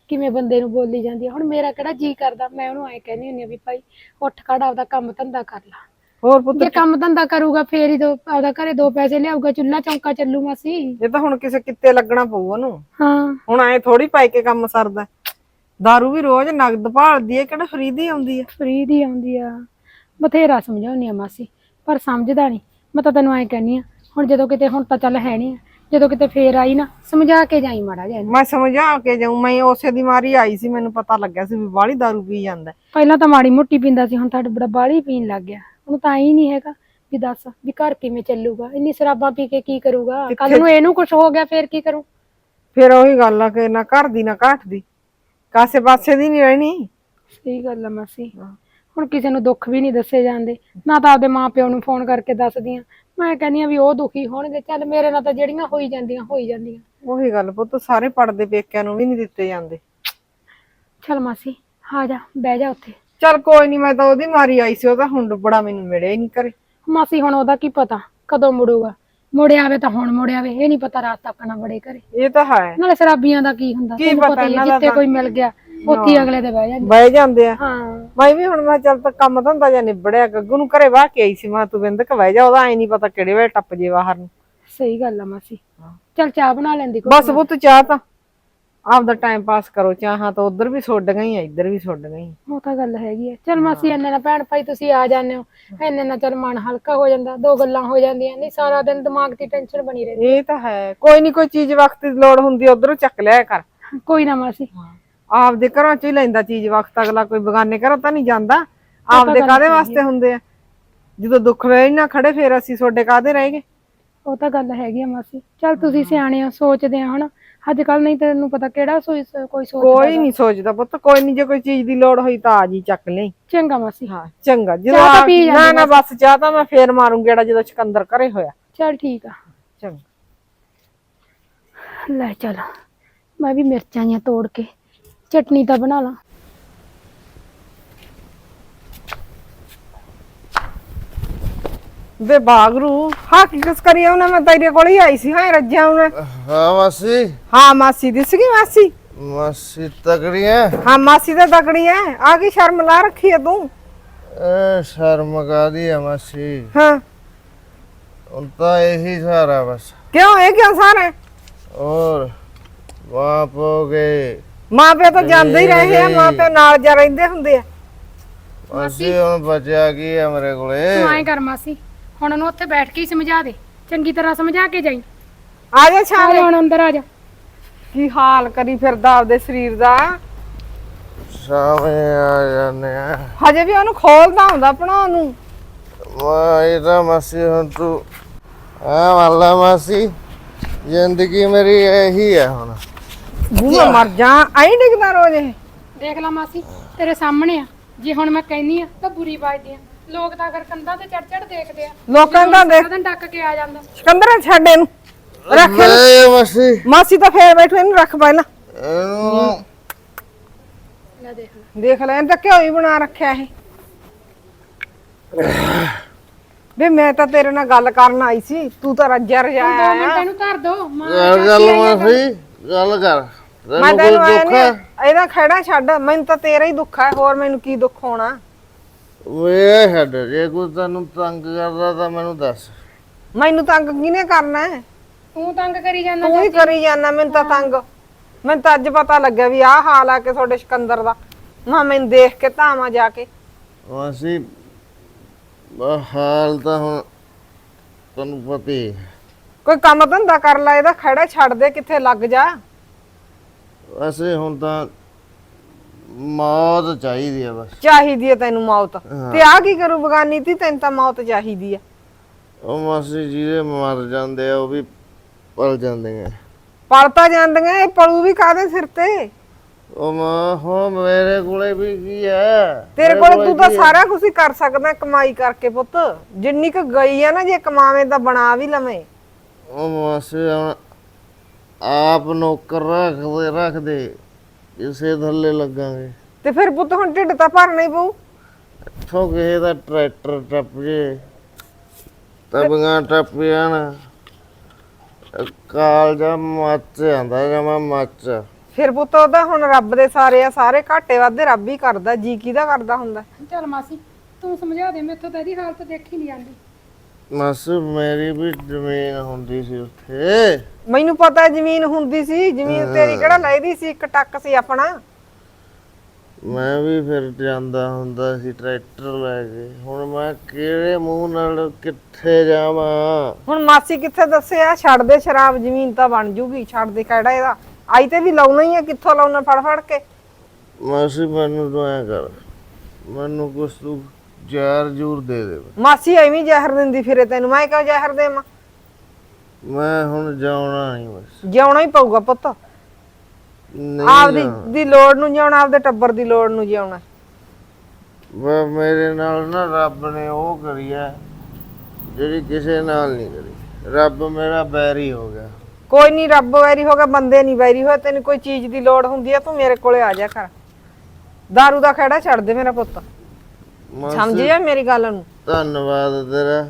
ਕਿਵੇਂ ਬੰਦੇ ਨੂੰ ਬੋਲੀ ਜਾਂਦੀ ਆ। ਹੁਣ ਮੇਰਾ ਕਿਹੜਾ ਜੀ ਕਰਦਾ, ਮੈਂ ਉਹਨੂੰ ਐ ਕਹਿੰਦੀ ਹੁੰਦੀ ਆ ਵੀ ਭਾਈ ਉੱਠ ਖੜ ਆਪਦਾ ਕੰਮ ਧੰਦਾ ਕਰ ਲਾ। ਹੋਰ ਪੁੱਤ ਜੇ ਕੰਮ ਧੰਦਾ ਕਰੂਗਾ ਫੇਰ ਹੀ ਆਪਦਾ ਘਰੇ 2 ਪੈਸੇ ਲਿਆਊਗਾ, ਚੁੱਲ੍ਹਾ ਚੌਂਕਾ ਚੱਲੂ ਮਾਸੀ। ਇਹ ਤਾਂ ਹੁਣ ਕਿਸੇ ਕਿੱਤੇ ਲੱਗਣਾ ਪਊ ਉਹਨੂੰ। ਹਾਂ ਹੁਣ ਐ ਥੋੜੀ ਪਾਈ ਕੇ ਕੰਮ ਸਰਦਾ। ਦਾਰੂ ਵੀ ਰੋਜ਼ ਨਗਦ ਭਾਲਦੀ ਏ, ਕਿਹੜਾ ਫਰੀ ਦੀ ਆਉਂਦੀ ਆ। ਫਰੀ ਦੀ ਆਉਂਦੀ ਆ। ਬਥੇਰਾ ਸਮਝਾਉਣੀ ਆ ਮਾਸੀ, ਪਰ ਸਮਝਦਾ ਨਹੀਂ। ਮੈਂ ਤਾਂ ਤੈਨੂੰ ਐ ਕਹਿੰਦੀ ਆ, ਹੁਣ ਜਦੋਂ ਕਿਤੇ, ਹੁਣ ਤਾਂ ਚੱਲ ਹੈ ਨਹੀਂ, ਜਦੋਂ ਕਿਤੇ ਫੇਰ ਆਈ ਨਾ ਸਮਝਾ ਕੇ ਜਾਈ ਮਾੜਾ ਜਿਹਾ ਇਹਨੂੰ। ਮੈਂ ਸਮਝਾ ਕੇ ਜਾਊਂ, ਮੈਂ ਉਸੇ ਦੀ ਮਾਰੀ ਆਈ ਸੀ, ਮੈਨੂੰ ਪਤਾ ਲੱਗਿਆ ਸੀ ਵੀ ਬਾਹਲੀ ਦਾਰੂ ਪੀ ਜਾਂਦਾ। ਪਹਿਲਾਂ ਤਾਂ ਮਾੜੀ ਮੋਟੀ ਪੀਂਦਾ ਸੀ, ਹੁਣ ਤੁਹਾਡਾ ਬੜਾ ਬਾਹਲੀ ਪੀਣ ਲੱਗ ਗਿਆ। ਉਹਨੂੰ ਤਾਂ ਹੀ ਨਹੀਂ ਹੈਗਾ ਵੀ ਦੱਸ ਵੀ ਘਰ ਕਿਵੇਂ ਚੱਲੂਗਾ, ਇੰਨੀ ਸ਼ਰਾਬਾਂ ਪੀ ਕੇ ਕੀ ਕਰੂਗਾ। ਕੱਲ ਨੂੰ ਇਹਨੂੰ ਕੁਝ ਹੋ ਗਿਆ ਫੇਰ ਕੀ ਕਰੂ। ਫਿਰ ਉਹੀ ਗੱਲ ਆ ਕਿ ਨਾ ਘਰ ਦੀ ਨਾ ਘਾਟ ਦੀ, ਕਾਸੇ ਪਾਸੇ ਦੀ ਨਹੀਂ ਰਹਿਣੀ। ਸਹੀ ਗੱਲ ਆ ਮਾਸੀ। ਹੁਣ ਕਿਸੇ ਨੂੰ ਦੁੱਖ ਵੀ ਨਹੀਂ ਦੱਸੇ ਜਾਂਦੇ, ਨਾ ਤਾਂ ਆਪਦੇ ਮਾਪਿਓ ਨੂੰ ਫੋਨ ਕਰਕੇ ਦੱਸਦੀ ਆ। ਮੈਂ ਕਹਿੰਦੀ ਆ ਵੀ ਉਹ ਦੁਖੀ ਹੋਣਗੇ, ਚੱਲ ਮੇਰੇ ਨਾਲ ਤਾਂ ਜਿਹੜੀਆਂ ਹੋਈ ਜਾਂਦੀਆਂ ਹੋਈ ਜਾਂਦੀਆਂ। ਉਹੀ ਗੱਲ ਪੁੱਤ, ਸਾਰੇ ਪੜਦੇ ਪੇਕਿਆਂ ਨੂੰ ਵੀ ਨਹੀਂ ਦਿੱਤੇ ਜਾਂਦੇ। ਚੱਲ ਮਾਸੀ ਆ ਜਾ, ਬਹਿ ਜਾ ਉੱਥੇ। ਚੱਲ ਕੋਈ ਨਹੀਂ, ਮੈਂ ਤਾਂ ਉਹਦੀ ਮਾਰੀ ਆਈ ਸੀ, ਉਹ ਤਾਂ ਹੁਣ ਬੜਾ ਮੈਨੂੰ ਮਿਲਿਆ ਹੀ ਨਹੀਂ ਘਰੇ। ਮਾਸੀ ਹੁਣ ਉਹਦਾ ਕੀ ਪਤਾ ਕਦੋਂ ਮੁੜੂਗਾ, ਮੁੜਿਆ ਆਵੇ ਤਾਂ ਹੁਣ ਮੁੜਿਆ ਆਵੇ, ਇਹ ਨਹੀਂ ਪਤਾ ਰਾਤ ਤੱਕ ਨਾ ਬੜੇ ਘਰੇ। ਇਹ ਤਾਂ ਹੈ, ਨਾਲੇ ਸ਼ਰਾਬੀਆਂ ਦਾ ਕੀ ਹੁੰਦਾ, ਤੈਨੂੰ ਪਤਾ ਹੀ ਆ, ਜਿੱਥੇ ਕੋਈ ਮਿਲ ਗਿਆ ਉੱਥੇ ਹੀ ਅਗਲੇ ਦੇ ਬਹਿ ਜਾਂਦੇ ਆ। ਹਾਂ ਮੈਂ ਵੀ ਹੁਣ ਮੈਂ ਚੱਲ ਤਾਂ ਕੰਮ ਧੰਦਾ ਜਾਂ ਨਿਬੜਿਆ, ਗੱਗੂ ਨੂੰ ਘਰੇ ਵਾਹ ਕੇ ਆਈ ਸੀ, ਮੈਂ ਤੂੰ ਬਿੰਦਕ ਬਹਿ ਜਾ, ਉਹਦਾ ਐ ਨਹੀਂ ਪਤਾ ਕਿਹੜੇ ਵੇਲੇ ਟੱਪ ਜੇ ਬਾਹਰ ਨੂੰ। ਸਹੀ ਗੱਲ ਆ ਮਾਸੀ। ਚੱਲ ਚਾਹ ਬਣਾ ਲੈਂਦੀ ਕੋਈ। ਬਸ ਪੁੱਤ ਚਾਹ ਤਾਂ ਆਪਦਾ ਟਾਈਮ ਪਾਸ ਕਰੋ, ਚਾਹਾਂ ਤਾਂ ਉਧਰ ਵੀ ਸੁੱਡ ਗਈ ਆ, ਇੱਧਰ ਵੀ ਸੁੱਡ ਗਈ। ਉਹ ਤਾਂ ਗੱਲ ਹੈਗੀ ਆ। ਚੱਲ ਮਾਸੀ ਇੰਨੇ ਨਾਲ ਭੈਣ ਭਾਈ ਤੁਸੀਂ ਆ ਜਾਂਦੇ ਹੋ, ਇੰਨੇ ਨਾਲ ਚੱਲ ਮਨ ਹਲਕਾ ਹੋ ਜਾਂਦਾ, 2 ਗੱਲਾਂ ਹੋ ਜਾਂਦੀਆਂ, ਨਹੀਂ ਸਾਰਾ ਦਿਨ ਦਿਮਾਗ ਦੀ ਟੈਨਸ਼ਨ ਬਣੀ ਰਹਿੰਦੀ। ਇਹ ਤਾਂ ਹੈ, ਕੋਈ ਨਹੀਂ, ਕੋਈ ਚੀਜ਼ ਵਕਤ ਦੀ ਲੋੜ ਹੁੰਦੀ ਉਧਰੋਂ ਚੱਕ ਲਿਆ ਕਰ। ਕੋਈ ਨਾ ਮਾਸੀ, ਆਪਦੇ ਘਰਾਂ ਚ ਹੀ ਲੈਂਦਾ ਚੀਜ਼ ਵਕਤ, ਅਗਲਾ ਕੋਈ ਬਗਾਨੇ ਘਰੋਂ ਤਾਂ ਨਹੀਂ ਜਾਂਦਾ। ਆਪਦੇ ਕਾਹਦੇ ਵਾਸਤੇ ਹੁੰਦੇ ਆ, ਜਦੋਂ ਦੁੱਖ ਵੇਲੇ ਨਾ ਖੜੇ ਫੇਰ ਅਸੀਂ ਤੁਹਾਡੇ ਕਾਹਦੇ ਰਹਿ ਗਏ। ਉਹ ਤਾਂ ਗੱਲ ਹੈਗੀ ਆ ਮਾਸੀ। ਚੱਲ ਤੁਸੀਂ ਸਿਆਣੇ ਹੋ, ਸੋਚਦੇ ਆ ਹੁਣ ਅੱਜ ਕੱਲ, ਨਹੀਂ ਤੈਨੂੰ ਪਤਾ ਕਿਹੜਾ ਕੋਈ ਸੋਚਦਾ। ਕੋਈ ਨਹੀਂ ਸੋਚਦਾ ਪੁੱਤ, ਕੋਈ ਨਹੀਂ, ਜੇ ਕੋਈ ਚੀਜ਼ ਦੀ ਲੋੜ ਹੋਈ ਤਾਂ ਆ ਜੀ ਚੱਕ ਲਈ। ਚੰਗਾ ਮਾਸੀ। ਹਾਂ ਚੰਗਾ, ਚਾਹ ਤਾਂ ਪੀ ਜਦੋਂ ਜਾਂਦੀ ਨਾ ਬਸ ਚਾਹ ਤਾਂ ਮੈਂ ਫੇਰ ਮਾਰੂੰ ਗੇੜਾ ਜਦੋਂ ਸਿਕੰਦਰ ਘਰੇ ਹੋਇਆ। ਚੱਲ ਠੀਕ ਆ। ਚੰਗਾ ਲੈ ਚੱਲ, ਮੈਂ ਵੀ ਮਿਰਚਾਂ ਜਿਹੀਆਂ ਤੋੜ ਕੇ ਚਟਨੀ ਤਾਂ ਬਣਾ ਲਾਂ। ਵੇ ਬਾਗਰੂ, ਹਾਂ ਕੀ ਕਸ ਕਰੀ ਉਹਨੇ, ਮੈਂ ਤੇਰੇ ਕੋਲ ਹੀ ਆਈ ਸੀ। ਹਾਂ ਰੱਜਿਆ ਉਹਨੇ। ਹਾਂ ਮਾਸੀ। ਹਾਂ ਮਾਸੀ ਦਿਸ ਗਈ। ਮਾਸੀ ਮਾਸੀ ਤਕੜੀ ਐ। ਹਾਂ ਮਾਸੀ ਤਾਂ ਤਕੜੀ ਐ। ਆ ਕੀ ਸ਼ਰਮ ਲਾ ਰੱਖੀ ਐ ਤੂੰ? ਸ਼ਰਮ ਕਾਦੀ ਆ ਮਾਸੀ, ਹਾਂ ਹੁਣ ਤਾਂ ਇਹੀ ਸਾਰਾ ਬਸ। ਕਿਉਂ, ਇਹ ਕਿਉਂ ਸਾਰਾ? और बाप हो गए, ਮਾਂ ਪਿਓ ਤਾਂ ਜਾਂਦੇ ਹੀ ਰਹੇ ਆ, ਮਾਂ ਪਿਓ ਨਾਲ ਜਾ ਰਹਿੰਦੇ ਹੁੰਦੇ ਆ। मासी ਹੁਣ ਬਚਿਆ ਕੀ ਹੈ ਮੇਰੇ ਕੋਲੇ। ਤੂੰ ਐਂ ਕਰ ਮਾਸੀ, ਹੁਣ ਉਹਨੂੰ ਉੱਥੇ ਬੈਠ ਕੇ ਹੀ ਸਮਝਾ ਦੇ, ਚੰਗੀ ਤਰ੍ਹਾਂ ਸਮਝਾ ਕੇ ਜਾਈ। ਆ ਜਾ ਛਾਵੇਂ। ਹੁਣ ਅੰਦਰ ਆ ਜਾ। ਕੀ ਹਾਲ ਕਰੀ ਫਿਰਦਾ ਆਪਦੇ ਸਰੀਰ ਦਾ। ਸਾਵੇਂ ਆ ਜਾਂਦੇ ਆ। ਹਜੇ ਵੀ ਉਹਨੂੰ ਖੋਲਦਾ ਹੁੰਦਾ ਭਣਾ ਨੂੰ। ਮੈਂ ਇਹ ਤਾਂ ਮਾਸੀ ਹੁਣ ਤੂੰ ਆ ਵਾਲਾ ਮਾਸੀ, ਜ਼ਿੰਦਗੀ ਮੇਰੀ ਇਹੀ ਹੈ ਹੁਣ। ਬੂਹਾ ਮਰ ਜਾ, ਆਈ ਡਿੱਗਦਾ ਰੋਜ਼ ਇਹ। ਦੇਖ ਲੈ ਮਾਸੀ, ਤੇਰੇ ਸਾਹਮਣੇ ਆ, ਜੇ ਹੁਣ ਮੈਂ ਕਹਿੰਨੀ ਆ ਤਾਂ ਬੁਰੀ ਵੱਜਦੀ ਆ। ਲੋਕ ਤਾਂ ਅਗਰ ਕੰਧਾਂ ਤੇ ਚੜ ਚੜ ਦੇਖਦੇ ਆ, ਲੋਕਾਂ ਦਾ ਦੇਖ। ਸਾਰਾ ਦਿਨ ਡੱਕ ਕੇ ਆ ਜਾਂਦਾ। ਸਿਕੰਦਰ ਛੱਡ ਇਹਨੂੰ, ਰੱਖ ਲੈ ਮਾਸੀ ਮਾਸੀ ਤਾਂ ਫੇਰ ਬੈਠੋ, ਇਹਨੂੰ ਰੱਖ ਪਹਿਲਾਂ। ਇਹਨੂੰ ਲੈ ਦੇਖ ਲੈ। ਦੇਖ ਲੈ, ਇਹਨੇ ਤਾਂ ਘਿਓ ਹੀ ਬਣਾ ਰੱਖਿਆ ਇਹ। ਵੇ ਮੈਂ ਤਾਂ ਤੇਰੇ ਨਾਲ ਗੱਲ ਕਰਨ ਆਈ ਸੀ, ਤੂੰ ਤਾਂ ਰੱਜਿਆ 2 ਰਜਾਇਆ ਮਿੰਟ ਇਹਨੂੰ ਧਰ ਦੋ। ਗੱਲ ਮਾਸੀ ਗੱਲ ਕਰ। ਮੈਂ ਤੈਨੂੰ ਕੋਈ ਤੈਨੂੰ ਦੁੱਖ ਹੈ? ਇਹਦਾ ਖੜਾ ਛੱਡ, ਮੈਨੂੰ ਤਾਂ ਤੇਰਾ ਹੀ ਦੁੱਖ ਹੈ, ਹੋਰ ਮੈਨੂੰ ਕੀ ਦੁੱਖ ਹੋਣਾ। ਵੇ ਛੱਡ, ਜੇ ਕੋਈ ਤੈਨੂੰ ਤੰਗ ਕਰਦਾ ਤਾਂ ਮੈਨੂੰ ਦੱਸ। ਮੈਨੂੰ ਤੰਗ ਕਿਹਨੇ ਕਰਨਾ ਹੈ? ਤੂੰ ਤੰਗ ਕਰੀ ਜਾਂਦਾ। ਤੂੰ ਹੀ ਕਰੀ ਜਾਂਦਾ ਮੈਨੂੰ ਤਾਂ ਤੰਗ। ਮੈਨੂੰ ਤਾਂ ਅੱਜ ਪਤਾ ਲੱਗਿਆ ਵੀ ਆਹ ਹਾਲ ਆ ਕਿ ਤੁਹਾਡੇ ਸਿਕੰਦਰ ਦਾ। ਮੈਂ ਮੈਨੂੰ ਦੇਖ ਕੇ ਧਾਵਾਂ ਜਾ ਕੇ। ਮਾਸੀ ਹਾਲ ਤਾਂ ਹੁਣ ਤੈਨੂੰ ਪਤਾ ਹੀ ਹੈ। ਕੋਈ ਕੰਮ ਧੰਦਾ ਕਰ ਲੈ, ਇਹਦਾ ਖੜਾ ਛੱਡ ਦੇ, ਕਿੱਥੇ ਲੱਗ ਜਾ। ਵੈਸੇ ਹੁਣ ਤਾਂ ਮੌਤ ਚਾਹੀਦੀ ਆ ਬਸ। ਚਾਹੀਦੀ ਹੈ ਤੈਨੂੰ ਮੌਤ, ਤੇ ਆ ਕੀ ਕਰੂ ਬਗਾਨੀ ਤੀ, ਤੈਨੂੰ ਤਾਂ ਮੌਤ ਚਾਹੀਦੀ ਹੈ। ਉਹ ਮਾਸੀ ਜਿਹਦੇ ਮਰ ਜਾਂਦੇ ਆ ਉਹ ਵੀ ਪਲ ਜਾਂਦੇ ਆ। ਪਲਤਾ ਜਾਂਦੀਆਂ, ਇਹ ਪਲੂ ਵੀ ਕਾਹਦੇ ਸਿਰ ਤੇ? ਉਹ ਮਾਂ ਹੋ ਮੇਰੇ ਕੋਲੇ ਵੀ ਕੀ ਹੈ? ਤੇਰੇ ਕੋਲ ਤੂੰ ਤਾਂ ਸਾਰਾ ਕੁਝ ਹੀ ਕਰ ਸਕਦਾ ਕਮਾਈ ਕਰਕੇ ਪੁੱਤ। ਜਿੰਨੀ ਕੁ ਗਈ ਆ ਨਾ, ਜੇ ਕਮਾਵੇਂ ਤਾਂ ਬਣਾ ਵੀ ਲਵੇਂ। ਉਹ ਮਾਸੀ ਹੁਣ ਆਪ ਨੌਕਰ ਰੱਖਦੇ ਇਸੇ ਥੱਲੇ ਲੱਗਾਂਗੇ ਤੇ ਫਿਰ ਪੁੱਤ ਹੁਣ ਢਿੱਡ ਤਾਂ ਭਰਨਾ ਹੀ ਪਊ। ਇੱਥੋਂ ਕਿਸੇ ਦਾ ਟਰੈਕਟਰ ਟੱਪ ਜੇ, ਤਬੀਆਂ ਟੱਪ ਜਾਣ, ਕਾਲ ਜਾ ਮੱਚ ਜਾਂਦਾ ਜਮਾ ਮੱਚ। ਫਿਰ ਪੁੱਤ ਉਹਦਾ ਹੁਣ ਰੱਬ ਦੇ ਸਾਰੇ ਆ, ਸਾਰੇ ਘਾਟੇ ਵਾਧੇ ਰੱਬ ਹੀ ਕਰਦਾ, ਜੀ ਕਿਹਦਾ ਕਰਦਾ ਹੁੰਦਾ। ਚੱਲ ਮਾਸੀ ਤੂੰ ਸਮਝਾ ਦੇ, ਮੈਥੋਂ ਤਾਂ ਇਹਦੀ ਹਾਲਤ ਦੇਖੀ ਨਹੀਂ ਜਾਂਦੀ। ਮਾਸੀ ਮੇਰੀ ਵੀ ਜ਼ਮੀਨ ਹੁੰਦੀ ਸੀ ਉੱਥੇ। ਮੈਨੂੰ ਪਤਾ ਜ਼ਮੀਨ ਹੁੰਦੀ ਸੀ, ਜ਼ਮੀਨ ਤੇਰੀ ਕਿਹੜਾ ਲੈਦੀ ਸੀ, ਇੱਕ ਟੱਕ ਸੀ ਆਪਣਾ। ਮੈਂ ਵੀ ਫਿਰ ਜਾਂਦਾ ਹੁੰਦਾ ਸੀ ਟਰੈਕਟਰ ਲੈ ਕੇ। ਹੁਣ ਮੈਂ ਕਿਹੜੇ ਮੂੰਹ ਨਾਲ ਕਿੱਥੇ ਜਾਵਾਂ? ਹੁਣ ਮਾਸੀ ਕਿੱਥੇ ਦੱਸਿਆ, ਛੱਡ ਦੇ ਸ਼ਰਾਬ, ਜ਼ਮੀਨ ਤਾਂ ਬਣ ਜੂਗੀ, ਛੱਡ ਦੇ ਕਿਹੜਾ ਇਹਦਾ। ਆਈ ਤੇ ਵੀ ਲਾਉਣਾ ਹੀ ਆ, ਕਿੱਥੋਂ ਲਾਉਣਾ ਫੜ ਫੜ ਕੇ। ਮਾਸੀ ਮੈਨੂੰ ਤੂੰ ਐਂ ਕਰ, ਮੈਨੂੰ ਕੁਛ ਤੂੰ ਜ਼ਹਿਰ ਜੂਰ ਦੇ ਦੇ। ਮਾਸੀ ਐਵੇਂ ਜ਼ਹਿਰ ਦਿੰਦੀ ਫਿਰੇ ਤੈਨੂੰ, ਮੈਂ ਕਿਉਂ ਜ਼ਹਿਰ ਦੇਵਾਂ? ਮੈਂ ਹੁਣ ਜਾਣਾ ਨਹੀਂ ਬਸ। ਜਿਉਣਾ ਹੀ ਪਊਗਾ ਪੁੱਤ, ਨਹੀਂ ਆਪਦੀ ਦੀ ਲੋੜ ਨੂੰ ਜਿਉਣਾ, ਆਪਦੇ ਟੱਬਰ ਦੀ ਲੋੜ ਨੂੰ ਜਿਉਣਾ। ਮੇਰੇ ਨਾਲ ਨਾ ਰੱਬ ਨੇ ਉਹ ਕਰੀ ਹੈ ਜਿਹੜੀ ਕਿਸੇ ਨਾਲ ਨਹੀਂ ਕਰੀ। ਰੱਬ ਮੇਰਾ ਬੈਰੀ ਹੋ ਗਿਆ। ਕੋਈ ਨਹੀਂ, ਰੱਬ ਵੈਰੀ ਹੋ ਗਿਆ, ਬੰਦੇ ਨਹੀਂ ਵੈਰੀ ਹੋਏ। ਤੈਨੂੰ ਕੋਈ ਚੀਜ਼ ਦੀ ਲੋੜ ਹੁੰਦੀ ਆ ਤੂੰ ਮੇਰੇ ਕੋਲੇ ਆ ਜਾ ਕਰ। ਦਾਰੂ ਦਾ ਖਹਿੜਾ ਛੱਡ ਦੇ ਮੇਰਾ ਪੁੱਤ, ਸਮਝਿਆ ਮੇਰੀ ਗੱਲ ਨੂੰ। ਧੰਨਵਾਦ ਤੇਰਾ।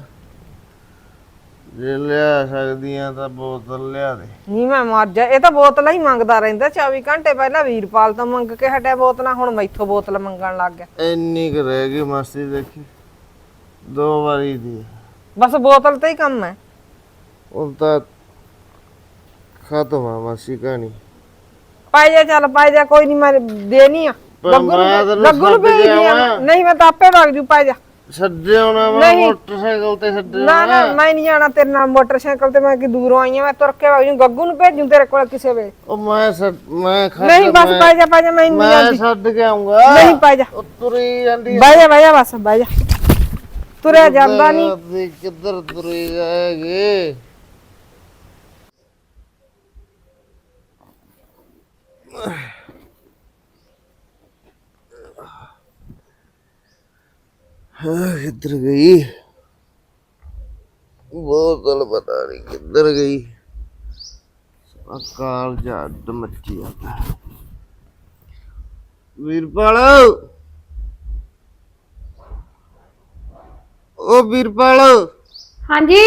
ਜੇ ਲਿਆ ਸਕਦੀਆਂ ਤਾਂ ਬੋਤਲ ਲਿਆ ਦੇ। ਨਹੀਂ ਮੈਂ ਮਰ ਜਾ, ਇਹ ਤਾਂ ਬੋਤਲਾਂ ਹੀ ਮੰਗਦਾ ਰਹਿੰਦਾ 24 ਘੰਟੇ। ਪਹਿਲਾਂ ਵੀਰਪਾਲ ਤੋਂ ਮੰਗ ਕੇ ਹਟਿਆ ਬੋਤਲਾਂ, ਹੁਣ ਮੈਥੋਂ ਬੋਤਲ ਮੰਗਣ ਲੱਗ ਗਿਆ। ਇੰਨੀ ਕੁ ਰਹਿ ਗਈ ਮਾਸੀ, ਦੇਖੀ 2 ਵਾਰੀ ਦੀ। ਬਸ ਬੋਤਲ ਤੇ ਹੀ ਕੰਮ ਹੈ। ਹੁਣ ਤਾਂ ਖਤਮ ਆ ਮਾਸੀ ਕਹਾਣੀ। ਪਾਈ ਜਾ, ਚੱਲ ਪਾਈ ਜਾ, ਕੋਈ ਨਹੀਂ ਮੈਂ ਦੇਣੀ ਆ। ਗੱਗੂ ਨੂੰ ਭੇਜ ਦਿਆਂ। ਨਹੀਂ ਮੈਂ ਤਾਂ ਆਪੇ ਵਗ ਜੂ, ਪਾਈ ਜਾ। ਛੱਡੇ ਆਉਣਾ ਮੈਂ ਮੋਟਰਸਾਈਕਲ ਤੇ ਛੱਡੇ। ਨਾ ਨਾ ਮੈਂ ਨਹੀਂ ਜਾਣਾ ਤੇਰੇ ਨਾਲ ਮੋਟਰਸਾਈਕਲ ਤੇ, ਮੈਂ ਕਿ ਦੂਰੋਂ ਆਈ ਆ, ਮੈਂ ਤੁਰ ਕੇ ਵਗ ਜੂ। ਗੱਗੂ ਨੂੰ ਭੇਜੂ ਤੇਰੇ ਕੋਲ ਕਿਸੇ ਵੇਲੇ। ਉਹ ਮੈਂ ਨਹੀਂ ਬਸ ਪਾਈ ਜਾ, ਪਾਈ ਜਾ, ਮੈਂ ਨਹੀਂ ਜਾਂਦੀ। ਛੱਡ ਕੇ ਆਉਂਗਾ। ਨਹੀਂ ਪਾਈ ਜਾ, ਉਹ ਤੁਰੀ ਜਾਂਦੀ ਬਹਿ ਜਾ ਬਸ, ਬਹਿ ਜਾ। ਤੁਰਿਆ ਜਾਂਦਾ ਨਹੀਂ। ਕਿੱਧਰ ਤੁਰੀ ਜਾਏਗੀ? किधर गई बोतल? पता नहीं किधर गई। काल जट मची जाता। वीरपाल, ओ वीरपाल, हाँ जी